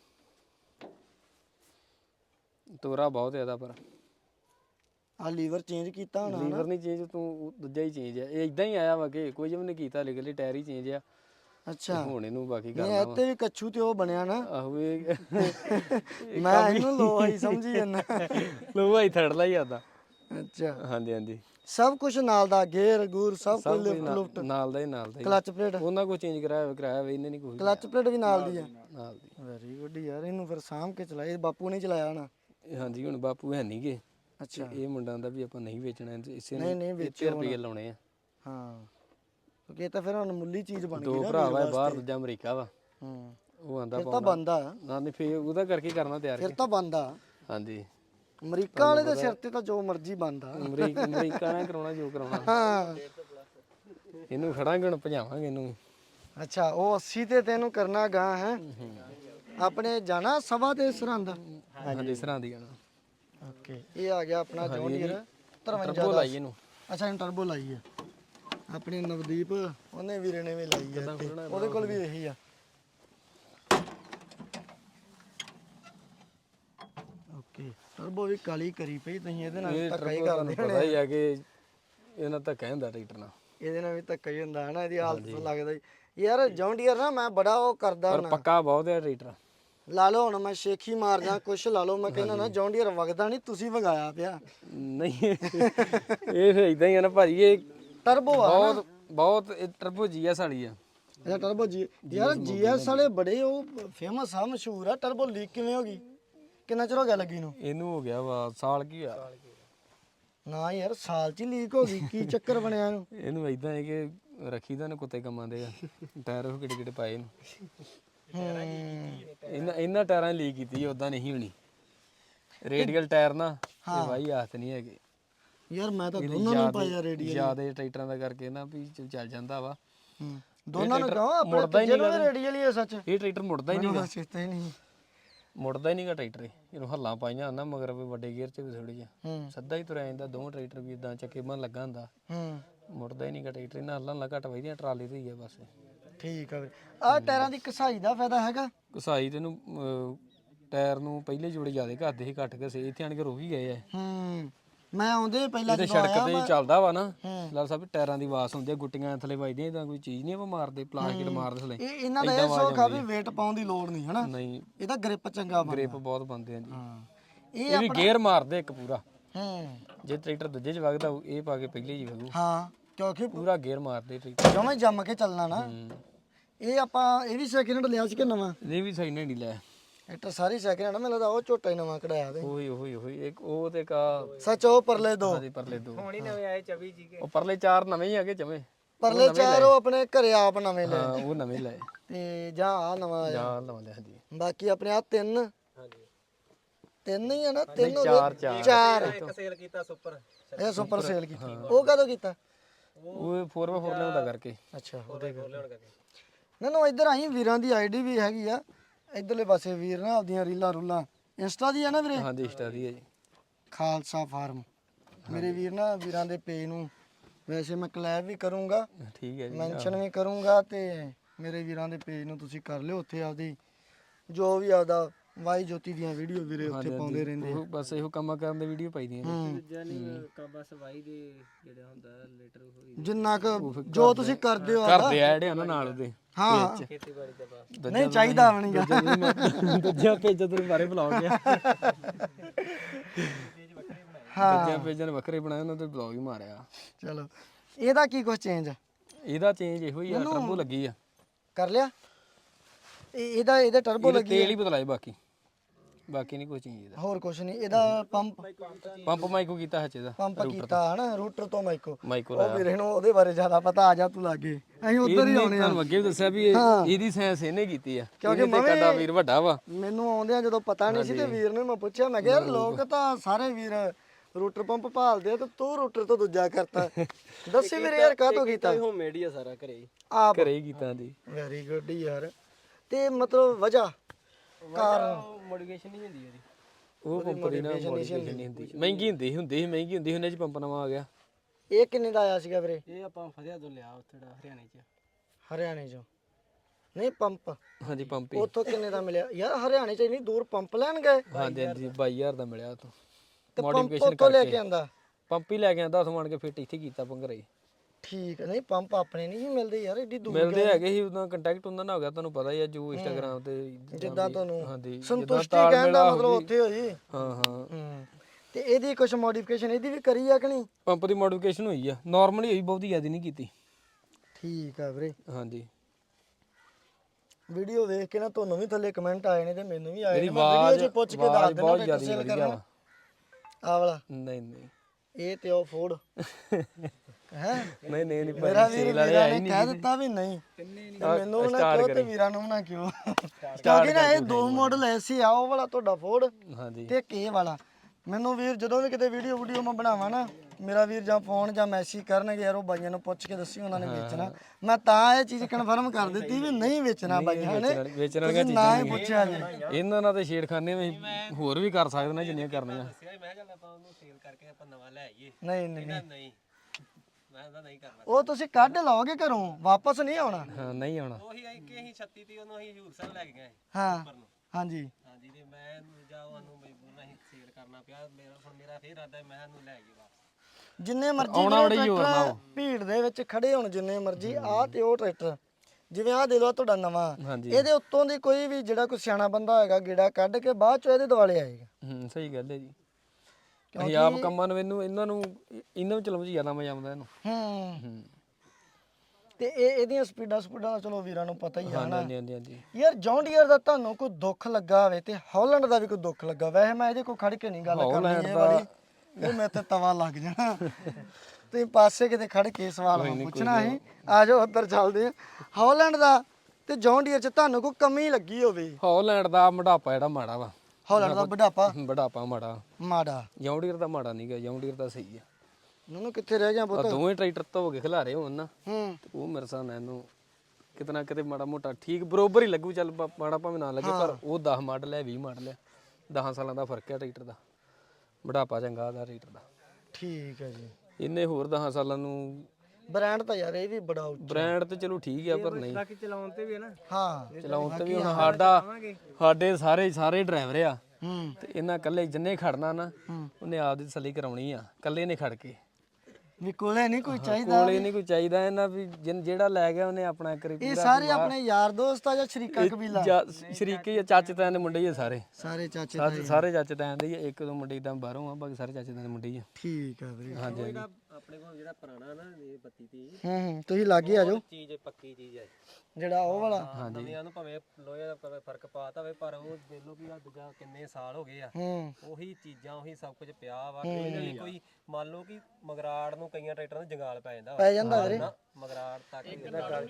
[SPEAKER 2] ਤੋਰਾ ਬਹੁਤ ਜ਼ਿਆਦਾ ਪਰ
[SPEAKER 1] ਆ ਲੀਵਰ ਚੇਂਜ ਕੀਤਾ ਹੋਣਾ
[SPEAKER 2] ਲੀਵਰ ਨਹੀਂ ਚੇਂਜ ਤੂੰ ਦੂਜਾ ਹੀ ਚੇਂਜ ਆ। ਇਹ ਇਦਾਂ ਹੀ ਆਇਆ ਵਾ ਕਿ ਕੋਈ ਜਿਵੇਂ ਨੇ ਕੀਤਾ ਲਿਖਲੇ ਟਾਇਰ ਹੀ ਚੇਂਜ ਆ।
[SPEAKER 1] ਅੱਛਾ
[SPEAKER 2] ਹੁਣ ਇਹਨੂੰ ਬਾਕੀ
[SPEAKER 1] ਨਹੀਂ
[SPEAKER 2] ਕਰਨਾ
[SPEAKER 1] ਇੱਥੇ ਵੀ ਕੱਛੂ ਤੇ ਉਹ ਬਣਿਆ ਨਾ।
[SPEAKER 2] ਆਹੋ ਇਹ
[SPEAKER 1] ਮੈਂ ਇਹਨੂੰ ਲੋ ਹਾਈ ਸਮਝੀ ਜਾਂਦਾ।
[SPEAKER 2] ਲੋ ਹਾਈ ਥੜਲਾ ਹੀ ਆਦਾ।
[SPEAKER 1] ਅੱਛਾ
[SPEAKER 2] ਹਾਂਜੀ ਹਾਂਜੀ
[SPEAKER 1] ਸਭ ਕੁਝ ਨਾਲ ਦਾ ਗੇਅਰ ਗੂਰ ਸਭ ਕੁਝ ਲਿਫਟ ਲੁਫਟ
[SPEAKER 2] ਨਾਲ ਦਾ ਹੀ ਨਾਲ ਦਾ ਹੀ।
[SPEAKER 1] ਕਲਚ ਪਲੇਟ
[SPEAKER 2] ਉਹਨਾਂ ਕੋ ਚੇਂਜ ਕਰਾਇਆ ਹੋਇਆ ਕਰਾਇਆ ਹੋਇਆ ਇਹਨੇ ਨਹੀਂ ਕੋਈ।
[SPEAKER 1] ਕਲਚ ਪਲੇਟ ਵੀ ਨਾਲ ਦੀ ਆ।
[SPEAKER 2] ਨਾਲ ਦੀ
[SPEAKER 1] ਵੈਰੀ ਗੁੱਡ ਯਾਰ ਇਹਨੂੰ ਫਿਰ ਸਾਂਭ ਕੇ ਚਲਾਏ ਬਾਪੂ ਨੇ ਚਲਾਇਆ ਹੋਣਾ।
[SPEAKER 2] ਹਾਂਜੀ ਹੁਣ ਬਾਪੂ ਹੈ ਨਹੀਂਗੇ।
[SPEAKER 1] ਅੱਛਾ
[SPEAKER 2] ਇਹ ਮੁੰਡਾ ਦਾ ਵੀ ਆਪਾਂ ਨਹੀਂ ਵੇਚਣਾ ਇਸੇ
[SPEAKER 1] ਨਹੀਂ ਨਹੀਂ
[SPEAKER 2] ਨੂੰ
[SPEAKER 1] ਵੇਚੋ
[SPEAKER 2] ਰੁਪਏ ਲਾਉਣੇ ਆ।
[SPEAKER 1] ਹਾਂ ਕਿਉਂਕਿ ਇਹ ਤਾਂ ਫਿਰ ਹੁਣ ਮੁੱਲੀ ਚੀਜ਼ ਬਣ ਗਈ
[SPEAKER 2] ਦੋ
[SPEAKER 1] ਨਾ
[SPEAKER 2] ਭਰਾ ਵਾ ਬਾਹਰ ਦੂਜਾ ਅਮਰੀਕਾ ਵਾ।
[SPEAKER 1] ਹੂੰ
[SPEAKER 2] ਉਹ ਆਂਦਾ
[SPEAKER 1] ਫਿਰ ਤਾਂ ਬੰਦਾ
[SPEAKER 2] ਨਾ ਨਹੀਂ ਫੇਰ ਉਹਦਾ ਕਰਕੇ ਕਰਨਾ ਤਿਆਰ।
[SPEAKER 1] ਫਿਰ ਤਾਂ ਬੰਦਾ
[SPEAKER 2] ਹਾਂਜੀ
[SPEAKER 1] ਅਮਰੀਕਾ ਵਾਲੇ ਦੇ ਸਿਰ ਤੇ ਤਾਂ ਜੋ ਮਰਜ਼ੀ ਬੰਦਾ।
[SPEAKER 2] ਅਮਰੀਕਾ ਅਮਰੀਕਾ ਨੇ ਕਰਾਉਣਾ ਜੋ ਕਰਾਉਣਾ।
[SPEAKER 1] ਹਾਂ
[SPEAKER 2] ਇਹਨੂੰ ਖੜਾਂਗੇ ਹੁਣ ਭਜਾਵਾਂਗੇ ਇਹਨੂੰ।
[SPEAKER 1] ਅੱਛਾ ਉਹ ਅੱਸੀ ਤੇ ਤੈਨੂੰ ਕਰਨਾ ਗਾ ਹੈ। ਆਪਣੇ ਜਾਣਾ ਸਭਾ ਤੇ ਸਰਹੰਦ।
[SPEAKER 2] ਹਾਂਜੀ ਸਰਾਂ ਦੀ ਜਾਣਾ।
[SPEAKER 1] ਓਕੇ ਇਹ ਆ ਗਿਆ ਆਪਣਾ ਜੌਂਡੀਅਰ ਤਰਵੰਜਾ
[SPEAKER 2] ਟਰਬੋ ਲਾਈ ਇਹਨੂੰ।
[SPEAKER 1] ਅੱਛਾ ਇਹਨੂੰ ਟਰਬੋ ਲਾਈ ਹੈ ਆਪਣੇ ਨਵਦੀਪ ਉਹਨੇ ਵੀਰੇ ਨੇ ਵੀ ਲਾਈ ਹੈ ਇੱਥੇ। ਉਹਦੇ ਕੋਲ ਵੀ ਇਹੀ ਆ। ਓਕੇ ਟਰਬੋ ਵੀ ਕਾਲੀ ਕਰੀ ਪਈ ਤੁਸੀਂ ਇਹਦੇ ਨਾਲ ਧੱਕਾ ਹੀ ਕਰਦੇ
[SPEAKER 2] ਪਤਾ ਹੀ ਆ ਕਿ ਇਹਨਾਂ ਧੱਕਾ ਹੁੰਦਾ ਟਰੈਕਟਰ ਨਾਲ।
[SPEAKER 1] ਇਹਦੇ ਨਾਲ ਵੀ ਧੱਕਾ ਹੀ ਹੁੰਦਾ ਹਨਾ। ਇਹਦੀ ਹਾਲਤ ਤੋਂ ਲੱਗਦਾ ਯਾਰ ਜੌਂਡੀਅਰ ਨਾ ਮੈਂ ਬੜਾ ਉਹ ਕਰਦਾ
[SPEAKER 2] ਪਰ ਪੱਕਾ ਬਹੁਤ ਹੈ ਟਰੈਕਟਰ।
[SPEAKER 1] ਲਾ ਲਓ ਹੁਣ ਮੈਂ ਸ਼ੇਖੀ ਮਾਰਦਾ ਕੁਛ ਲਾ ਲਓ ਮੈਂ ਕਹਿੰਦਾ ਨਾ ਜੌਂਡੀਅਰ ਵਗਦਾ ਨਹੀਂ ਤੁਸੀਂ ਵਗਾਇਆ ਪਿਆ।
[SPEAKER 2] ਨਹੀਂ ਇਹ ਫੇ ਇਦਾਂ ਹੀ ਆ ਨਾ ਭਾਜੀ। ਇਹ
[SPEAKER 1] ਟਰਬੋ ਆ
[SPEAKER 2] ਬਹੁਤ ਬਹੁਤ ਇਹ ਟਰਬੋ ਜੀਐਸ ਵਾਲੀ ਆ।
[SPEAKER 1] ਅੱਛਾ ਟਰਬੋ ਜੀ ਯਾਰ ਜੀਐਸ ਵਾਲੇ ਬੜੇ ਉਹ ਫੇਮਸ ਆ ਮਸ਼ਹੂਰ ਆ। ਟਰਬੋ ਲੀਕ ਕਿਵੇਂ ਹੋ ਗਈ? ਕਿੰਨਾ ਚਿਰ ਹੋ ਗਿਆ ਲੱਗੀ ਨੂੰ?
[SPEAKER 2] ਇਹਨੂੰ ਹੋ ਗਿਆ ਵਾ ਸਾਲ ਕੀ ਆ।
[SPEAKER 1] ਨਾ ਯਾਰ ਸਾਲ ਚ ਲੀਕ ਹੋ ਗਈ ਕੀ ਚੱਕਰ ਬਣਿਆ ਇਹਨੂੰ?
[SPEAKER 2] ਇਹਨੂੰ ਇਦਾਂ ਹੈ ਕਿ ਰੱਖੀ ਦਾ ਨੇ ਕੁੱਤੇ ਕੰਮਾਂ ਦੇ ਆ। ਟਾਇਰ ਉਹ ਕਿਹੜੇ ਕਿਹੜੇ ਪਾਏ ਇਹਨੂੰ। ਇਹਨਾਂ ਇਹਨਾਂ ਟਾਇਰਾਂ ਲੀਕ ਕੀਤੀ ਉਦਾਂ ਨਹੀਂ ਹੋਣੀ। ਰੇਡੀਅਲ ਟਾਇਰ ਨਾ ਇਹ ਵਾਹੀ ਆਖਤ ਨਹੀਂ ਹੈਗੇ
[SPEAKER 1] ਯਾਰ। ਮੈਂ ਤਾਂ ਦੋਨਾਂ ਨੂੰ ਪਾਇਆ ਰੇਡੀਅਲ
[SPEAKER 2] ਜਿਆਦਾ ਟਰੈਕਟਰਾਂ ਦਾ ਕਰਕੇ ਨਾ ਵੀ ਚੱਲ ਜਾਂਦਾ ਵਾ।
[SPEAKER 1] ਦੋਨਾਂ ਨੂੰ ਕਹੋ ਆਪਣੇ ਜਿਹੜਾ ਰੇਡੀਅਲ ਹੀ ਹੈ ਸੱਚ।
[SPEAKER 2] ਇਹ ਟਰੈਕਟਰ ਮੁੜਦਾ ਹੀ ਨਹੀਂਗਾ।
[SPEAKER 1] ਚੇਤਾ ਹੀ ਨਹੀਂ
[SPEAKER 2] ਮੁੜਦਾ ਹੀ ਨਹੀਂਗਾ ਟਰੈਕਟਰ। ਇਹਨੂੰ ਹੱਲਾਂ ਪਾਈਆਂ ਨਾ ਮਗਰ ਵੀ ਵੱਡੇ ਗੇਅਰ ਚ ਵੀ ਥੋੜੀ ਜਿਹਾ ਸਿੱਧਾ ਹੀ ਤੁਰਿਆ ਜਾਂਦਾ। ਦੋਵੇਂ ਟਰੈਕਟਰ ਵੀ ਇਦਾਂ ਚੱਕੇ ਬਣ ਲੱਗਾ ਹੁੰਦਾ। ਮੁੜਦਾ ਹੀ ਨਹੀਂਗਾ ਟਰੈਕਟਰ। ਇਹਨਾਂ ਹੱਲਾਂ ਲਾ ਘੱਟ ਵਈਆਂ ਟਰਾਲੀ ਤੇ ਹੀ ਆ ਬਸ। ਠੀਕ ਆ ਆ ਟਾਇਰਾਂ ਦੀ ਘਸਾਈ ਦਾ ਫਾਇਦਾ ਹੈਗਾ? ਘਸਾਈ ਤੈਨੂੰ ਟਾਇਰ ਨੂੰ ਪਹਿਲੇ ਜੋੜੇ ਜ਼ਿਆਦਾ ਕਰਦੇ ਸੀ ਘੱਟ ਘਸੇ ਇੱਥੇ ਆਣ ਕੇ ਰੋ ਵੀ ਗਏ ਆ। ਹੂੰ ਮੈਂ ਆਉਂਦੇ ਪਹਿਲਾਂ ਜਦੋਂ ਆਇਆ ਸੜਕ ਤੇ ਚੱਲਦਾ ਵਾ ਨਾ ਲਾਲ ਸਾਹਿਬ ਟਾਇਰਾਂ ਦੀ ਆਵਾਜ਼ ਹੁੰਦੀ ਆ। ਗੁੱਟੀਆਂ ਥੱਲੇ ਵੱਜਦੀਆਂ ਇਦਾਂ ਕੋਈ ਚੀਜ਼ ਨਹੀਂ ਆਪਾਂ ਮਾਰਦੇ ਪਲਾਸਟਿਕ ਮਾਰਦੇ ਥੱਲੇ। ਇਹ ਇਹਨਾਂ ਦਾ ਇਹ ਸੌਖ ਆ ਵੀ weight ਪਾਉਣ ਦੀ ਲੋੜ ਨਹੀਂ ਹਨਾ। ਨਹੀਂ ਇਹਦਾ ਗ੍ਰਿਪ ਚੰਗਾ ਬਣਦਾ। ਗ੍ਰਿਪ ਬਹੁਤ ਬੰਦੇ ਆ ਜੀ। ਹਾਂ ਇਹ ਵੀ ਗੇਅਰ ਮਾਰਦੇ ਇੱਕ ਪੂਰਾ। ਹੂੰ ਜੇ ਟਰੈਕਟਰ ਦੂਜੇ ਚ ਵਗਦਾ ਇਹ ਪਾ ਕੇ ਪਹਿਲੇ ਹੀ ਵਗੂ। ਹਾਂ ਕਿਉਂਕਿ ਪੂਰਾ ਗੇਅਰ ਮਾਰਦੇ ਟਰੈਕਟਰ ਜਮਾਂ ਜੰਮ ਕੇ ਚੱਲਣਾ ਨਾ। ਇਹ ਆਪਾਂ ਇਹ ਵੀ ਸੈਕਿੰਡ ਹੈਂਡ ਲਿਆ ਸੀ ਕਿ ਨਵਾਂ? ਇਹ ਵੀ ਸੈਕਿੰਡ ਹੈਂਡ ਹੀ ਲਿਆ। ਟਰੈਕਟਰ ਸਾਰੀ ਸੈਕਿੰਡ ਹੈਂਡ ਮੈਨੂੰ ਲੱਗਦਾ ਉਹ ਝੋਟਾ ਹੀ ਨਵਾਂ ਕਢਾਇਆ ਤੇ। ਉਹੀ ਉਹੀ ਉਹੀ ਇੱਕ ਉਹ ਤੇ ਕਾ ਸੱਚ ਉਹ ਪਰਲੇ ਦੋ। ਹਾਂਜੀ ਪਰਲੇ ਦੋ ਹੁਣ ਹੀ ਨਵੇਂ ਆਏ ਚੌਵੀ ਜੀ ਕੇ। ਉਹ ਪਰਲੇ ਚਾਰ ਨਵੇਂ ਹੀ ਆਗੇ ਜਮੇ। ਪਰਲੇ ਚਾਰ ਉਹ ਆਪਣੇ ਘਰੇ ਆਪ ਨਵੇਂ ਲਏ। ਹਾਂ ਉਹ ਨਵੇਂ ਲਏ ਤੇ ਜਾਂ ਆ ਨਵਾਂ ਆਇਆ। ਜਾਂ ਨਵਾਂ ਲਿਆ ਜੀ। ਬਾਕੀ ਆਪਣੇ ਆ ਤਿੰਨ। ਹਾਂਜੀ ਤਿੰਨ ਹੀ ਆ ਨਾ? ਤਿੰਨ ਹੋ ਗਏ ਚਾਰ। ਚਾਰ ਇੱਕ ਸੇਲ ਕੀਤਾ ਸੁਪਰ। ਇਹ ਸੁਪਰ ਸੇਲ ਕੀਤੀ। ਉਹ ਕਦੋਂ ਕੀਤਾ? ਉਹ ਚਾਰ ਬਾਈ ਚਾਰ ਲਿਆਉਂਦਾ ਕਰਕੇ। ਅੱਛਾ ਉਹਦੇ ਕਰਕੇ
[SPEAKER 1] ਨਾ ਨਾ ਇੱਧਰ ਆਈ ਵੀਰਾਂ ਦੀ ਆਈਡੀ ਵੀ ਹੈਗੀ ਆ ਇੱਧਰਲੇ ਪਾਸੇ ਵੀਰ ਨਾ ਆਪਦੀਆਂ ਰੀਲਾਂ ਰੂਲਾਂ ਇੰਸਟਾ ਦੀ ਆ ਨਾ ਵੀਰੇ
[SPEAKER 2] ਹਾਂਜੀ ਇੰਸਟਾ ਦੀ ਹੈ ਜੀ
[SPEAKER 1] ਖਾਲਸਾ ਫਾਰਮ ਮੇਰੇ ਵੀਰ ਨਾ ਵੀਰਾਂ ਦੇ ਪੇਜ ਨੂੰ ਵੈਸੇ ਮੈਂ ਕਲੈਬ ਵੀ ਕਰੂੰਗਾ
[SPEAKER 2] ਠੀਕ ਹੈ ਜੀ
[SPEAKER 1] ਮੈਂਸ਼ਨ ਵੀ ਕਰੂੰਗਾ ਤੇ ਮੇਰੇ ਵੀਰਾਂ ਦੇ ਪੇਜ ਨੂੰ ਤੁਸੀਂ ਕਰ ਲਿਓ ਉੱਥੇ ਆਪਦੀ ਜੋ ਵੀ ਆਪਦਾ ਵਾਈ ਜੋਤੀ ਦੀਆਂ ਵੀਡੀਓ ਵੀਰੇ ਉੱਥੇ ਪਾਉਂਦੇ ਰਹਿੰਦੇ
[SPEAKER 2] ਉਹ ਬਸ ਇਹੋ ਕੰਮਾਂ ਕਰਨ ਦੇ ਵੀਡੀਓ ਪਾਈਦੀਆਂ ਨੇ
[SPEAKER 1] ਹੂੰ
[SPEAKER 3] ਬਸ ਵਾਈ ਦੇ ਜਿਹੜਾ ਹੁੰਦਾ ਲੈਟਰ ਹੋਈ
[SPEAKER 1] ਜਿੰਨਾ ਕੁ ਜੋ ਤੁਸੀਂ ਕਰਦੇ ਹੋ
[SPEAKER 2] ਕਰਦੇ ਆ ਜਿਹੜੇ ਉਹਨਾਂ ਨਾਲ ਉਹਦੇ
[SPEAKER 1] ਹਾਂ
[SPEAKER 3] ਖੇਤੀਬਾੜੀ ਦਾ ਬਸ
[SPEAKER 1] ਨਹੀਂ ਚਾਹੀਦਾ ਵੀ ਨਹੀਂਗਾ
[SPEAKER 2] ਦੂਜਿਆਂ ਪੇਜਾਂ ਦੇ ਬਾਰੇ ਬਲੌਗ ਆ
[SPEAKER 1] ਹਾਂ
[SPEAKER 2] ਦੂਜਿਆਂ ਪੇਜਾਂ ਨੇ ਵੱਖਰੇ ਬਣਾਏ ਉਹਨਾਂ ਤੇ ਬਲੌਗ ਹੀ ਮਾਰਿਆ
[SPEAKER 1] ਚਲੋ ਇਹਦਾ ਕੀ ਕੁਝ ਚੇਂਜ
[SPEAKER 2] ਇਹਦਾ ਚੇਂਜ ਇਹੋ ਹੀ ਆ ਟਰਬੋ ਲੱਗੀ ਆ
[SPEAKER 1] ਕਰ ਲਿਆ ਇਹ ਇਹਦਾ ਇਹਦੇ ਟਰਬੋ
[SPEAKER 2] ਇਹਦੇ
[SPEAKER 1] ਲੱਗੀ
[SPEAKER 2] ਤੇਲ ਹੀ ਬਦਲਾਏ ਬਾਕੀ ਬਾਕੀ ਨਹੀਂ ਕੋਈ ਚੇਂਜ ਇਹਦਾ
[SPEAKER 1] ਹੋਰ ਕੁਝ ਨਹੀਂ ਇਹਦਾ ਪੰਪ
[SPEAKER 2] ਪੰਪ ਮਾਈਕੋ ਕੀਤਾ ਹੱਚ ਇਹਦਾ
[SPEAKER 1] ਪੰਪ ਕੀਤਾ ਹਨਾ ਰੂਟਰ ਤੋਂ ਮਾਈਕੋ
[SPEAKER 2] ਮਾਈਕੋ
[SPEAKER 1] ਉਹ ਵੀਰੇ ਨੂੰ ਉਹਦੇ ਬਾਰੇ ਜ਼ਿਆਦਾ ਪਤਾ ਆ ਜਾ ਤੂੰ ਲਾਗੇ ਅਸੀਂ ਉੱਧਰ ਹੀ ਆਉਣੇ ਆ
[SPEAKER 2] ਤੁਹਾਨੂੰ ਅੱਗੇ ਵੀ ਦੱਸਿਆ ਵੀ ਇਹ- ਇਹਦੀ ਸਾਇੰਸ ਇਹਨੇ ਕੀਤੀ ਆ
[SPEAKER 1] ਕਿਉਂਕਿ
[SPEAKER 2] ਇਹਦੇ ਤੇ ਸਾਡਾ ਵੀਰ ਵੱਡਾ ਵਾ
[SPEAKER 1] ਮੈਨੂੰ ਆਉਂਦਿਆਂ ਜਦੋਂ ਪਤਾ ਨਹੀਂ ਸੀ ਤੇ ਵੀਰ ਨੂੰ ਮੈਂ ਪੁੱਛਿਆ ਮੈਂ ਕਿਹਾ ਯਾਰ ਲੋਕ ਤਾਂ ਸਾਰੇ ਵੀਰ ਰੂਟਰ ਪੰਪ ਭਾਲਦੇ ਆ ਤੇ ਤੂੰ ਰੂਟਰ ਤੋਂ ਦੂਜਾ ਕਰਤਾ ਦੱਸੀ ਵੀਰੇ ਯਾਰ ਕਾਹਤੋਂ ਕੀਤਾ
[SPEAKER 3] ਹੋਮ ਮੇਡ ਹੀ ਆ ਸਾਰਾ ਘਰੇ ਹੀ
[SPEAKER 1] ਆਪ
[SPEAKER 2] ਘਰੇ ਹੀ ਕੀਤਾ ਜੀ
[SPEAKER 1] ਵੈਰੀ ਗੁੱਡ ਯਾਰ ਤੇ ਮਤਲਬ ਵਜ੍ਹਾ ਕਾਰਨ
[SPEAKER 3] ਮੋਡੀਫਿਕੇਸ਼ਨ ਨਹੀਂ ਹੁੰਦੀ ਇਹਦੀ
[SPEAKER 2] ਉਹ ਪੰਪ ਦੀ ਨਾ ਮੋਡੀਫਿਕੇਸ਼ਨ ਨਹੀਂ ਹੁੰਦੀ ਮਹਿੰਗੀ ਹੁੰਦੀ ਸੀ ਹੁੰਦੀ ਸੀ ਮਹਿੰਗੀ ਹੁੰਦੀ ਹੁੰਨੇ ਚ ਪੰਪ ਨਵਾਂ ਆ ਗਿਆ
[SPEAKER 1] ਇਹ ਕਿੰਨੇ ਦਾ ਆਇਆ ਸੀਗਾ ਵੀਰੇ
[SPEAKER 3] ਇਹ ਆਪਾਂ ਫਤਿਆ ਤੋਂ ਲਿਆ ਉੱਥੇ ਦਾ ਹਰਿਆਣੇ ਚ
[SPEAKER 1] ਹਰਿਆਣੇ ਚੋਂ ਨਹੀਂ ਪੰਪ
[SPEAKER 2] ਹਾਂਜੀ ਪੰਪ ਹੀ
[SPEAKER 1] ਉੱਥੋਂ ਕਿੰਨੇ ਦਾ ਮਿਲਿਆ ਯਾਰ ਹਰਿਆਣੇ ਚ ਇੰਨੀ ਦੂਰ ਪੰਪ ਲੈਣ ਗਏ
[SPEAKER 2] ਹਾਂਜੀ ਹਾਂਜੀ ਬਾਈ ਹਜ਼ਾਰ ਦਾ ਮਿਲਿਆ ਉਤੋਂ
[SPEAKER 1] ਤੇ ਪੰਪ
[SPEAKER 2] ਮੋਡੀਫਿਕੇਸ਼ਨ
[SPEAKER 1] ਉੱਥੋਂ ਲੈ
[SPEAKER 2] ਕਰਕੇ
[SPEAKER 1] ਕੇ ਆਂਦਾ
[SPEAKER 2] ਪੰਪ ਹੀ ਲੈ ਕੇ ਆਂਦਾ ਉਥੋਂ ਆਣ ਕੇ ਫਿੱਟ ਇੱਥੇ ਕੀਤਾ ਪੰਗਰੇ
[SPEAKER 1] ਠੀਕ ਹੈ ਨਹੀਂ ਪੰਪ ਆਪਣੇ ਨਹੀਂ ਸੀ ਮਿਲਦੇ ਯਾਰ ਏਡੀ ਦੂਰ
[SPEAKER 2] ਮਿਲਦੇ ਹੈਗੇ ਸੀ ਉਦੋਂ ਕੰਟੈਕਟ ਹੁੰਦਾ ਨਾ ਹੋ ਗਿਆ ਤੁਹਾਨੂੰ ਪਤਾ ਹੀ ਆ ਜੋ ਇੰਸਟਾਗ੍ਰਾਮ ਤੇ
[SPEAKER 1] ਜਿੱਦਾਂ ਤੁਹਾਨੂੰ
[SPEAKER 2] ਹਾਂਜੀ
[SPEAKER 1] ਸੰਤੁਸ਼ਟੀ ਕਹਿਣ ਦਾ ਮਤਲਬ ਉੱਥੇ ਹੋਈ
[SPEAKER 2] ਹਾਂ ਹਾਂ
[SPEAKER 1] ਹੂੰ ਤੇ ਇਹਦੀ ਕੁਝ ਮੋਡੀਫਿਕੇਸ਼ਨ ਇਹਦੀ ਵੀ ਕਰੀ ਆ ਕਿ ਨਹੀਂ
[SPEAKER 2] ਪੰਪ ਦੀ ਮੋਡੀਫਿਕੇਸ਼ਨ ਹੋਈ ਆ ਨਾਰਮਲੀ ਹੋਈ ਬਹੁਤੀ ਜ਼ਿਆਦਾ ਨਹੀਂ ਕੀਤੀ
[SPEAKER 1] ਠੀਕ ਆ ਵੀਰੇ
[SPEAKER 2] ਹਾਂਜੀ
[SPEAKER 1] ਵੀਡੀਓ ਵੇਖ ਕੇ ਨਾ ਤੁਹਾਨੂੰ ਵੀ ਥੱਲੇ ਕਮੈਂਟ ਆਏ ਨੇ ਤੇ ਮੈਨੂੰ ਵੀ ਆਏ ਨੇ
[SPEAKER 2] ਇਹਦੀ
[SPEAKER 1] ਮੈਂ ਵੀਡੀਓ
[SPEAKER 2] ਆਵਾਜ਼
[SPEAKER 1] 'ਚ ਪੁੱਛ ਕੇ
[SPEAKER 2] ਆਵਾਜ਼
[SPEAKER 1] ਦੱਸ ਦੇਣਾ
[SPEAKER 2] ਬਹੁਤ
[SPEAKER 1] ਟਰੈਕਟਰ
[SPEAKER 2] ਜ਼ਿਆਦਾ
[SPEAKER 1] ਸੇਲ
[SPEAKER 2] ਵਧੀਆ
[SPEAKER 1] ਕਰਨਾ
[SPEAKER 2] ਵਾ
[SPEAKER 1] ਆ ਵਾਲਾ
[SPEAKER 2] ਨਹੀਂ ਨਹੀਂ
[SPEAKER 1] ਇਹ ਤੇ ਉਹ ਫੋੜ ਹੈ
[SPEAKER 2] ਨਹੀਂ ਨਹੀਂ ਨਹੀਂ
[SPEAKER 1] ਮੇਰਾ ਵੀਰ ਵੀਰਾਂ ਨੇ ਕਹਿ ਦਿੱਤਾ ਵੀ ਨਹੀਂ ਤੇ ਮੈਨੂੰ ਵੀ ਨਾ ਕਿਉਂ ਤੇ ਵੀਰਾਂ ਨੂੰ ਵੀ ਨਾ ਕਿਉਂ ਕਿਉਂਕਿ ਨਾ ਇਹ ਦੋ ਮਾਡਲ ਐਸੇ ਆ ਉਹ ਵਾਲਾ ਤੁਹਾਡਾ ਫੋੜ
[SPEAKER 2] ਹਾਂਜੀ
[SPEAKER 1] ਤੇ ਇੱਕ ਇਹ ਵਾਲਾ ਮੈਨੂੰ ਵੀਰ ਜਦੋਂ ਵੀ ਕਿਤੇ ਵੀਡੀਓ ਵੀਡੀਓ ਮੈਂ ਬਣਾਵਾਂ ਨਾ ਮੇਰਾ ਵੀਰ ਜਾਂ ਫੋਨ ਜਾਂ ਮੈਸੇਜ ਕਰਨਗੇ ਯਾਰ ਉਹ ਬਾਈਆਂ ਨੂੰ ਪੁੱਛ ਕੇ ਦੱਸੀ ਉਹਨਾਂ ਨੇ ਵੇਚਣਾ ਮੈਂ ਤਾਂ ਇਹ ਚੀਜ਼ ਕਨਫਰਮ ਕਰ ਦਿੱਤੀ ਵੀ ਨਹੀਂ ਵੇਚਣਾ ਬਾਈਆਂ ਨੇ
[SPEAKER 2] ਵੇਚਣ ਵਾਲੀਆਂ
[SPEAKER 1] ਤੁਸੀਂ ਨਾ ਹੀ ਪੁੱਛਿਆ ਜੀ
[SPEAKER 2] ਇਹਨਾਂ ਨਾਲ ਤੇ ਛੇੜਖਾਨੇ ਵੀ ਹੋਰ ਵੀ ਕਰ ਸਕਦੇ ਨੇ ਜਿੰਨੀਆਂ ਕਰਨੀਆਂ
[SPEAKER 3] ਮੈਂ ਚੱਲ ਆਪਾਂ ਉਹਨੂੰ ਸੇਲ ਕਰਕੇ ਆਪਾਂ ਨਵਾਂ ਲੈ ਆਈਏ
[SPEAKER 1] ਨਹੀਂ ਨਹੀਂ ਨਹੀਂ।
[SPEAKER 3] ਨਹੀਂ ਮੈਂ ਤਾਂ ਨਹੀਂ ਕਰਨਾ
[SPEAKER 1] ਉਹ ਤੁਸੀਂ ਕੱਢ ਲਓਗੇ ਘਰੋਂ ਵਾਪਸ ਨਹੀਂ ਆਉਣਾ
[SPEAKER 2] ਹਾਂ ਨਹੀਂ ਆਉਣਾ
[SPEAKER 3] ਉਹੀ ਆਈ ਕਿ ਅਸੀਂ ਛੱਤੀ ਤੀ ਉਹਨੂੰ ਅਸੀਂ ਹਜੂਰ ਸਾਹਿਬ ਲੈ ਕੇ ਗਏ
[SPEAKER 1] ਹਾਂ
[SPEAKER 3] ਉੱਪਰ ਨੂੰ
[SPEAKER 1] ਹਾਂਜੀ
[SPEAKER 3] ਹਾਂਜੀ ਤੇ ਮੈਂ ਇਹਨੂੰ ਜਾ ਉਹਨੂੰ ਮਜਬੂਰ ਨਹੀਂ ਸੇਲ ਕਰਨਾ ਪਿਆ ਮੇਰਾ ਹੁਣ ਮੇਰਾ ਫੇਰ ਇਰਾਦਾ ਮੈਂ ਇਹਨੂੰ ਲੈ ਗਈ ਵਾਪਸ
[SPEAKER 1] ਜਿੰਨੇ ਮਰਜ਼ੀ ਵੀਰੇ ਟਰੈਕਟਰ ਭੀੜ ਦੇ ਵਿੱਚ ਖੜੇ ਹੋਣ ਜਿੰਨੇ ਮਰਜ਼ੀ ਆਹ ਤੇ ਉਹ ਟਰੈਕਟਰ ਜਿਵੇਂ ਆਹ ਦੇ ਲਓ ਤੁਹਾਡਾ ਨਵਾਂ
[SPEAKER 2] ਹਾਂਜੀ
[SPEAKER 1] ਇਹਦੇ ਉੱਤੋਂ ਦੀ ਕੋਈ ਵੀ ਜਿਹੜਾ ਕੋਈ ਸਿਆਣਾ ਬੰਦਾ ਹੋਏਗਾ ਗੇੜਾ ਕੱਢ ਕੇ ਬਾਅਦ ਚ ਇਹਦੇ ਦੁਆਲੇ ਆਏਗਾ
[SPEAKER 2] ਹੂੰ ਸਹੀ ਗੱਲ ਹੈ ਜੀ ਅਸੀਂ ਆਪ ਕੰਮਾਂ ਨੂੰ ਇਹਨੂੰ ਇਹਨਾਂ ਨੂੰ ਇਹਨਾਂ ਨੂੰ ਚਲਾਉਣ 'ਚ ਜ਼ਿਆਦਾ ਮਜ਼ਾ ਆਉਂਦਾ ਇਹਨੂੰ
[SPEAKER 1] ਹੂੰ
[SPEAKER 2] ਹੂੰ
[SPEAKER 1] ਤੇ ਇਹ ਇਹਦੀਆਂ ਸਪੀਡਾਂ ਸਪੀਡਾਂ ਦਾ ਚਲੋ ਵੀਰਾਂ ਨੂੰ ਪਤਾ ਹੀ ਆ ਨਾ
[SPEAKER 2] ਹਾਂਜੀ ਹਾਂਜੀ ਹਾਂਜੀ
[SPEAKER 1] ਯਾਰ ਜੌਨ ਡੀਅਰ ਦਾ ਤੁਹਾਨੂੰ ਕੋਈ ਦੁੱਖ ਲੱਗਾ ਹੋਵੇ ਤੇ ਹਾਲੈਂਡ ਦਾ ਵੀ ਕੋਈ ਦੁੱਖ ਲੱਗਾ ਵੈਸੇ ਮੈਂ ਇਹਦੇ ਕੋਲ ਖੜ ਕੇ ਨਹੀਂ ਗੱਲ ਕਰਨੀ ਇਹ ਵਾਲੀ ਇਹ ਮੇਰੇ ਤੇ ਤਵਾ ਲੱਗ ਜਾਣਾ ਤੁਸੀਂ ਪਾਸੇ ਕਿਤੇ ਖੜ ਕੇ ਸਵਾਲ ਨਾ ਪੁੱਛਣਾ ਹੈ ਆ ਜਾਓ ਉੱਧਰ ਚੱਲਦੇ ਆ ਹਾਲੈਂਡ ਦਾ ਤੇ ਜੌਨ ਡੀਅਰ ਚ ਤੁਹਾਨੂੰ ਕੋਈ ਕਮੀ ਲੱਗੀ ਹੋਵੇ
[SPEAKER 2] ਹਾਲੈਂਡ ਦਾ ਮੋਟਾਪਾ ਜਿਹੜਾ ਮਾੜਾ ਵਾ
[SPEAKER 1] ਹਾਲੈਂਡ ਦਾ ਬੁਢਾਪਾ
[SPEAKER 2] ਬੁਢਾਪਾ ਮਾੜਾ
[SPEAKER 1] ਮਾੜਾ
[SPEAKER 2] ਜੌਂਡੀਅਰ ਦਾ ਮਾੜਾ ਨਹੀਂ ਗਾ ਜੌਂਡੀਅਰ ਦਾ ਸਹੀ ਆ
[SPEAKER 1] ਉਹਨੂੰ ਕਿੱਥੇ ਰਹਿ ਗਿਆ
[SPEAKER 2] ਆ
[SPEAKER 1] ਪੁੱਤ
[SPEAKER 2] ਦੋਵੇਂ ਟਰੈਕਟਰ ਧੋ ਕੇ ਖਿਲਾਰੇ ਹੋਣ ਨਾ
[SPEAKER 1] ਹੂੰ
[SPEAKER 2] ਤੇ ਉਹ ਮੇਰੇ ਸਾਹ ਨਾਲ ਇਹਨੂੰ ਕਿਤਨਾ ਕਿਤੇ ਮਾੜਾ ਮੋਟਾ ਠੀਕ ਬਰੋਬਰ ਹੀ ਲੱਗੂ ਚੱਲ ਪ- ਮਾੜਾ ਭਾਵੇਂ ਨਾ ਲੱਗੇ ਪਰ ਉਹ ਦਸ ਮਾਡਲ ਹੈ ਵੀਹ ਮਾਡਲ ਹੈ ਦਸ ਸਾਲਾਂ ਦਾ ਫਰਕ ਹੈ ਟਰੈਕਟਰ ਦਾ ਬੁਢਾਪਾ ਚੰਗਾ ਦਾ ਟਰੈਕਟਰ ਦਾ
[SPEAKER 1] ਠੀਕ ਹੈ ਜੀ
[SPEAKER 2] ਇਹਨੇ ਹੋਰ ਦਸ ਸਾਲਾਂ ਨੂੰ
[SPEAKER 1] ਬ੍ਰਾਂਡ ਤਾਂ ਯਾਰ ਇਹ ਵੀ ਬੜਾ ਉੱਚਾ
[SPEAKER 2] ਬ੍ਰਾਂਡ ਤੇ ਚਲੋ ਠੀਕ ਆ ਪਰ ਨਹੀਂ
[SPEAKER 3] ਬਾਕੀ ਚਲਾਉਣ ਤੇ ਵੀ ਹੈ ਨਾ
[SPEAKER 1] ਹਾਂ
[SPEAKER 2] ਚਲਾਉਣ ਤੇ ਵੀ ਹੁਣ ਸਾਡਾ ਸਾਡੇ ਸਾਰੇ ਸਾਰੇ ਡਰਾਈਵਰ ਆ
[SPEAKER 1] ਹੂੰ
[SPEAKER 2] ਤੇ ਇਹਨਾਂ ਇਕੱਲੇ ਜਿੰਨੇ ਖੜਨਾ ਨਾ ਉਹਨੇ ਆਪ ਦੀ ਤਸੱਲੀ ਕਰਾਉਣੀ ਆ ਇਕੱਲੇ ਨੇ ਖੜ ਕੇ
[SPEAKER 1] ਵੀ ਕੋਲੇ ਨਹੀਂ ਕੋਈ ਚਾਹੀਦਾ
[SPEAKER 2] ਕੋਲੇ ਨਹੀਂ ਕੋਈ ਚਾਹੀਦਾ ਇਹਨਾਂ ਵੀ ਜਿਨ- ਜਿਹੜਾ ਲੈ ਗਿਆ ਉਹਨੇ ਆਪਣਾ ਕਰੀ
[SPEAKER 1] ਇਹ ਸਾਰੇ ਆਪਣੇ ਯਾਰ ਦੋਸਤ ਆ ਜਾਂ ਸ਼ਰੀਕਾ ਕਬੀਲਾ
[SPEAKER 2] ਸ਼ਰੀਕੇ ਹੀ ਆ, ਚਾਚੇ ਤਾਇਆਂ ਦੇ ਮੁੰਡੇ ਹੀ ਆ ਸਾਰੇ
[SPEAKER 1] ਸਾਰੇ ਚਾਚੇ
[SPEAKER 2] ਸਾਰੇ- ਸਾਰੇ ਚਾਚੇ ਤਾਇਆਂ ਦੇ ਹੀ ਆ, ਇੱਕ ਦੋ ਮੁੰਡੇ ਇਦਾਂ ਬਾਹਰੋਂ ਆ ਬਾਕੀ ਸਾਰੇ ਚਾਚੇ ਤਾਇਆਂ ਦੇ ਮੁੰਡੇ ਹੀ ਆ
[SPEAKER 1] ਠੀਕ ਆ ਵੀਰੇ
[SPEAKER 2] ਹਾਂਜੀ ਹਾਂਜੀ
[SPEAKER 3] ਆਪਣੇ ਕੋਲ ਜਿਹੜਾ ਪੁਰਾਣਾ ਨਾ ਇਹ ਬੱਤੀ ਤੀ
[SPEAKER 1] ਹੂੰ ਹੂੰ ਤੁਸੀਂ ਲਾਗੇ ਆ ਜਾਓ
[SPEAKER 3] ਚੀਜ਼ ਪੱਕੀ ਚੀਜ਼ ਹੈ
[SPEAKER 1] ਜਿਹੜਾ ਉਹ ਵਾਲਾ
[SPEAKER 3] ਨਵਿਆਂ ਨੂੰ ਭਾਵੇਂ ਲੋਹੇ ਦਾ ਭਾਵੇਂ ਫਰਕ ਪਾਤਾ ਹੋਵੇ ਪਰ ਉਹ ਦੇਖ ਲਓ ਵੀ ਆ ਦੂਜਾ ਕਿੰਨੇ ਸਾਲ ਹੋ ਗਏ ਆ
[SPEAKER 1] ਹੂੰ
[SPEAKER 3] ਉਹੀ ਚੀਜ਼ਾਂ ਉਹੀ ਸਭ ਕੁਝ ਪਿਆ ਵਾ ਇਹਨਾਂ ਲਈ ਕੋਈ ਮੰਨ ਲਓ ਕਿ ਮਗਰਾੜ ਨੂੰ ਕਈਆਂ ਟਰੈਕਟਰਾਂ ਦੇ ਜੰਗਾਲ ਪੈ ਜਾਂਦਾ ਵਾ।
[SPEAKER 1] ਪੈ ਜਾਂਦਾ ਵੀਰੇ
[SPEAKER 3] ਨਾ ਮਗਰਾੜ ਤੱਕ ਇਹਦਾ ਗੱਲ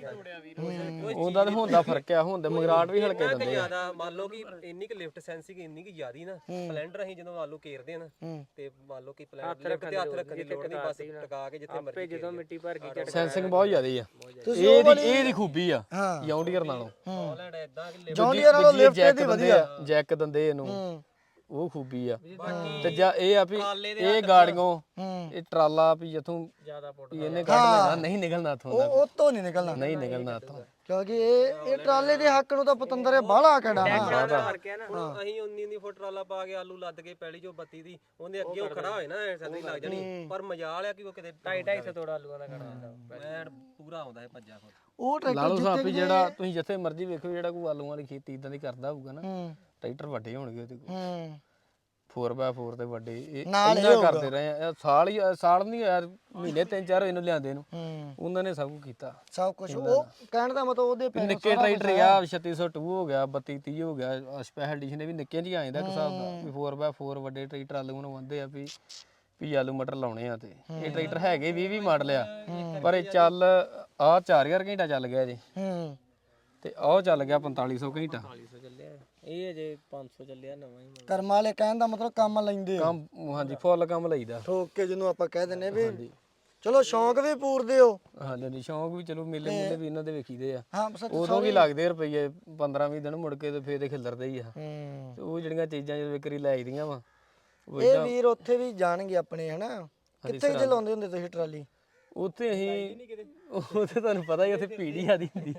[SPEAKER 2] ਉਹਦਾ ਤਾਂ ਹੁੰਦਾ ਫਰਕ ਆ ਹੁੰਦਾ ਮਗਰਾਟ ਵੀ ਹਲਕੇ ਦਿੰਦੇ ਆ
[SPEAKER 3] ਜ਼ਿਆਦਾ ਮੰਨ ਲਓ ਕਿ ਇੰਨੀ ਕਿ ਲਿਫਟ ਸੈਂਸਿੰਗ ਇੰਨੀ ਕਿ ਜ਼ਿਆਦੀ ਨਾ ਸਪਲੈਂਡਰ ਅਸੀਂ ਜਦੋਂ ਮੰਨ ਲਓ ਕੇਰਦੇ ਆ ਨਾ
[SPEAKER 1] ਹੂੰ
[SPEAKER 3] ਤੇ ਮੰਨ ਲਓ ਕਿ ਪਲੈਂਡ ਲਿਫਟ ਤੇ ਹੱਥ ਰੱਖਣ ਦੀ ਲੋੜ ਨਹੀਂ ਬਸ ਟਿਕਾ ਕੇ ਜਿੱਥੇ ਮਰਜ਼ੀ ਜਦੋਂ ਮਿੱਟੀ ਭਰ ਗਈ
[SPEAKER 2] ਸੈਂਸਿੰਗ ਬਹੁਤ ਜ਼ਿਆਦੀ ਆ
[SPEAKER 1] ਤੁਸੀਂ
[SPEAKER 2] ਇਹ ਦੀ ਇਹ ਦੀ ਖੂਬੀ ਆ
[SPEAKER 1] ਹਾਂ
[SPEAKER 2] ਜੌਂਡੀਅਰ ਨਾਲੋਂ
[SPEAKER 3] ਹਾਲੈਂਡ ਇਦਾਂ ਕਿ
[SPEAKER 1] ਜੌਂਡੀਅਰ ਨਾਲੋਂ ਲਿਫਟ
[SPEAKER 2] ਜੈਕ
[SPEAKER 1] ਦੀ
[SPEAKER 2] ਦਿੰਦੇ
[SPEAKER 1] ਵਧੀਆ
[SPEAKER 2] ਆ ਜੈਕ ਦਿੰਦੇ ਇਹਨੂੰ
[SPEAKER 1] ਹੂੰ
[SPEAKER 2] ਉਹ ਖੂਬੀ ਆ ਤੇ ਜਾਂ ਇਹ ਆ ਵੀ ਇਹ ਗਾੜੀਆਂ
[SPEAKER 1] ਹੂੰ
[SPEAKER 2] ਇਹ ਟਰਾਲਾ ਵੀ ਜਿੱਥੋਂ
[SPEAKER 3] ਜ਼ਿਆਦਾ ਪੁੱਟ
[SPEAKER 2] ਵੀ ਇਹਨੇ ਕੱਢ ਲੈਣਾ ਨਹੀਂ ਨਿਕਲਣਾ ਇੱਥੋਂ ਦਾ
[SPEAKER 1] ਉਹ ਉਹ ਤੋਂ ਨਹੀਂ ਨਿਕਲਣਾ
[SPEAKER 2] ਨਹੀਂ ਨਿਕਲਣਾ ਇੱਥੋਂ
[SPEAKER 1] ਕਿਉਂਕਿ ਇਹ ਇਹ ਟਰਾਲੇ ਦੇ ਹੱਕ ਨੂੰ ਤਾਂ ਪਤੰਦਰ ਇਹ ਬਾਹਲਾ ਕੜਾ ਨਾ
[SPEAKER 3] ਕਰਕੇ ਨਾ ਹੁਣ ਅਸੀਂ ਉਨੀ ਉਨੀ ਫੁੱਟ ਟਰਾਲਾ ਪਾ ਕੇ ਆਲੂ ਲੱਦ ਕੇ ਪੈਲੀ ਚੋਂ ਬੱਤੀ ਦੀ ਉਹਦੇ ਅੱਗੇ ਉਹ ਖੜਾ ਹੋਏ ਨਾ ਥੱਲੇ ਲੱਗ ਜਾਣੀ ਪਰ ਮਜਾਲ ਆ ਕਿ ਉਹ ਕਿਤੇ ਢਾਈ ਢਾਈ ਸੌ ਤੋੜਾ ਆਲੂਆਂ ਦਾ ਖੜਾ ਹੁੰਦਾ ਮੈਂ ਪੂਰਾ ਆਉਂਦਾ ਹੈ ਭੱਜਾ ਫਿਰ
[SPEAKER 1] ਉਹ
[SPEAKER 2] ਲਾ ਲਓ
[SPEAKER 1] ਟਰੈਕਟਰ
[SPEAKER 2] ਸਾਹਿਬ ਵੀ ਜਿਹੜਾ ਤੁਸੀਂ ਜਿੱਥੇ ਮਰਜ਼ੀ ਵੇਖੋ ਜਿਹੜਾ ਕੋਈ ਆਲੂਆਂ ਵਾਲੀ ਖੇਤੀ ਇਦਾਂ ਦੀ ਕਰਦਾ ਹੋਊਗਾ ਨਾ
[SPEAKER 1] ਹੂੰ
[SPEAKER 2] ਟਰੈਕਟਰ ਵੱਡੇ ਹੋਣਗੇ ਉਹਦੇ ਕੋਲ
[SPEAKER 1] ਹੂੰ
[SPEAKER 2] ਫੋਰ ਬਾਏ ਫੋਰ ਤੇ ਵੱਡੇ ਇਹ
[SPEAKER 1] ਨਾਲ ਇਹ
[SPEAKER 2] ਇੰਨਾ
[SPEAKER 1] ਹੋਊਗਾ।
[SPEAKER 2] ਕਰਦੇ ਰਹੇ ਆ ਇਹ ਸਾਲ ਹੀ ਸਾਲ ਨਹੀਂ ਯਾਰ ਮਹੀਨੇ ਤਿੰਨ ਚਾਰ ਇਹਨੂੰ ਲਿਆਂਦੇ ਨੂੰ
[SPEAKER 1] ਹੂੰ
[SPEAKER 2] ਉਹਨਾਂ ਨੇ ਸਭ ਕੁਝ ਕੀਤਾ
[SPEAKER 1] ਸਭ ਕੁਝ ਉਹ ਕਹਿਣ ਦਾ ਮਤਲਬ ਉਹਦੇ
[SPEAKER 2] ਵੀ
[SPEAKER 1] ਪੈਰ
[SPEAKER 2] ਨਿੱਕੇ ਟਰੈਕਟਰ ਆ ਛੱਤੀ ਸੌ ਦੋ ਹੋ ਗਿਆ ਬੱਤੀ ਤੀਹ ਹੋ ਗਿਆ ਸਪੈਸ਼ਲ ਐਡੀਸ਼ਨ ਵੀ ਨਿੱਕੇ ਜਿਹੇ ਆ ਜਾਂਦਾ ਇੱਕ ਹਿਸਾਬ ਦਾ ਵੀ ਫੋਰ ਬਾਏ ਫੋਰ ਵੱਡੇ ਟਰੈਕਟਰ ਆਲੂ ਨੂੰ ਆਉਂਦੇ ਆ ਵੀ ਵੀ ਆਲੂ ਮਟਰ ਲਾਉਣੇ ਆ ਤੇ ਇਹ ਟਰੈਕਟਰ ਹੈਗੇ ਵੀਹ ਵੀਹ ਮਾਡਲ ਆ ਪਰ ਇਹ ਚੱਲ ਆ ਚਾਰ ਹਜ਼ਾਰ ਘੰਟਾ ਚੱਲ ਗਿਆ ਜੀ
[SPEAKER 1] ਹੂੰ
[SPEAKER 2] ਤੇ ਆਹ ਚੱਲ ਗਿਆ ਪੰਤਾਲੀ ਸੌ ਘੰਟਾ
[SPEAKER 3] ਚੱਲਿਆ ਇਹ ਅਜੇ ਪੰਜ ਸੌ ਚੱਲਿਆ ਨਵਾਂ ਹੀ
[SPEAKER 1] ਕਰਮ ਵਾਲੇ ਕਹਿਣ ਦਾ ਮਤਲਬ ਕੰਮ ਲੈਂਦੇ ਆ
[SPEAKER 2] ਕੰਮ ਹਾਂਜੀ ਫੁੱਲ ਕੰਮ ਲਈਦਾ
[SPEAKER 1] ਠੋਕ ਕੇ ਜਿਹਨੂੰ ਆਪਾਂ ਕਹਿ ਦਿੰਨੇ ਵੀ ਚਲੋ ਸ਼ੌਂਕ ਵੀ ਪੂਰਦੇ ਹੋ
[SPEAKER 2] ਹਾਂਜੀ ਹਾਂਜੀ ਸ਼ੌਂਕ ਵੀ ਚਲੋ ਮੇਲੇ ਮੂਲੇ ਵੀ ਇਹਨਾਂ ਦੇ ਵੇਖੀਦੇ ਆ
[SPEAKER 1] ਹਾਂ ਸੱਚ
[SPEAKER 2] ਉਦੋਂ ਵੀ ਲੱਗਦੇ ਰੁਪਈਏ ਪੰਦਰਾਂ ਵੀਹ ਦਿਨ ਮੁੜ ਕੇ ਤੇ ਫੇਰ ਦੇ ਖਿਲਰਦੇ ਹੀ ਆ
[SPEAKER 1] ਹੂੰ
[SPEAKER 2] ਤੇ ਉਹ ਜਿਹੜੀਆਂ ਚੀਜ਼ਾਂ ਜਦੋਂ ਵਿਕਰੀ ਲੈ ਆਈਦੀਆਂ ਵਾ ਉਹ
[SPEAKER 1] ਇਹ ਵੀਰ ਉੱਥੇ ਵੀ ਜਾਣਗੇ ਆਪਣੇ ਹਨਾ ਕਿੱਥੇ ਜੇ ਲਾਉਂਦੇ ਹੁੰਦੇ ਤੁਸੀਂ ਟਰਾਲੀ
[SPEAKER 2] ਉੱਥੇ ਅਸੀਂ ਉੱਥੇ ਤੁਹਾਨੂੰ ਪਤਾ ਹੀ ਉੱਥੇ ਭੀੜ ਹੀ ਆਦੀ ਹੁੰਦੀ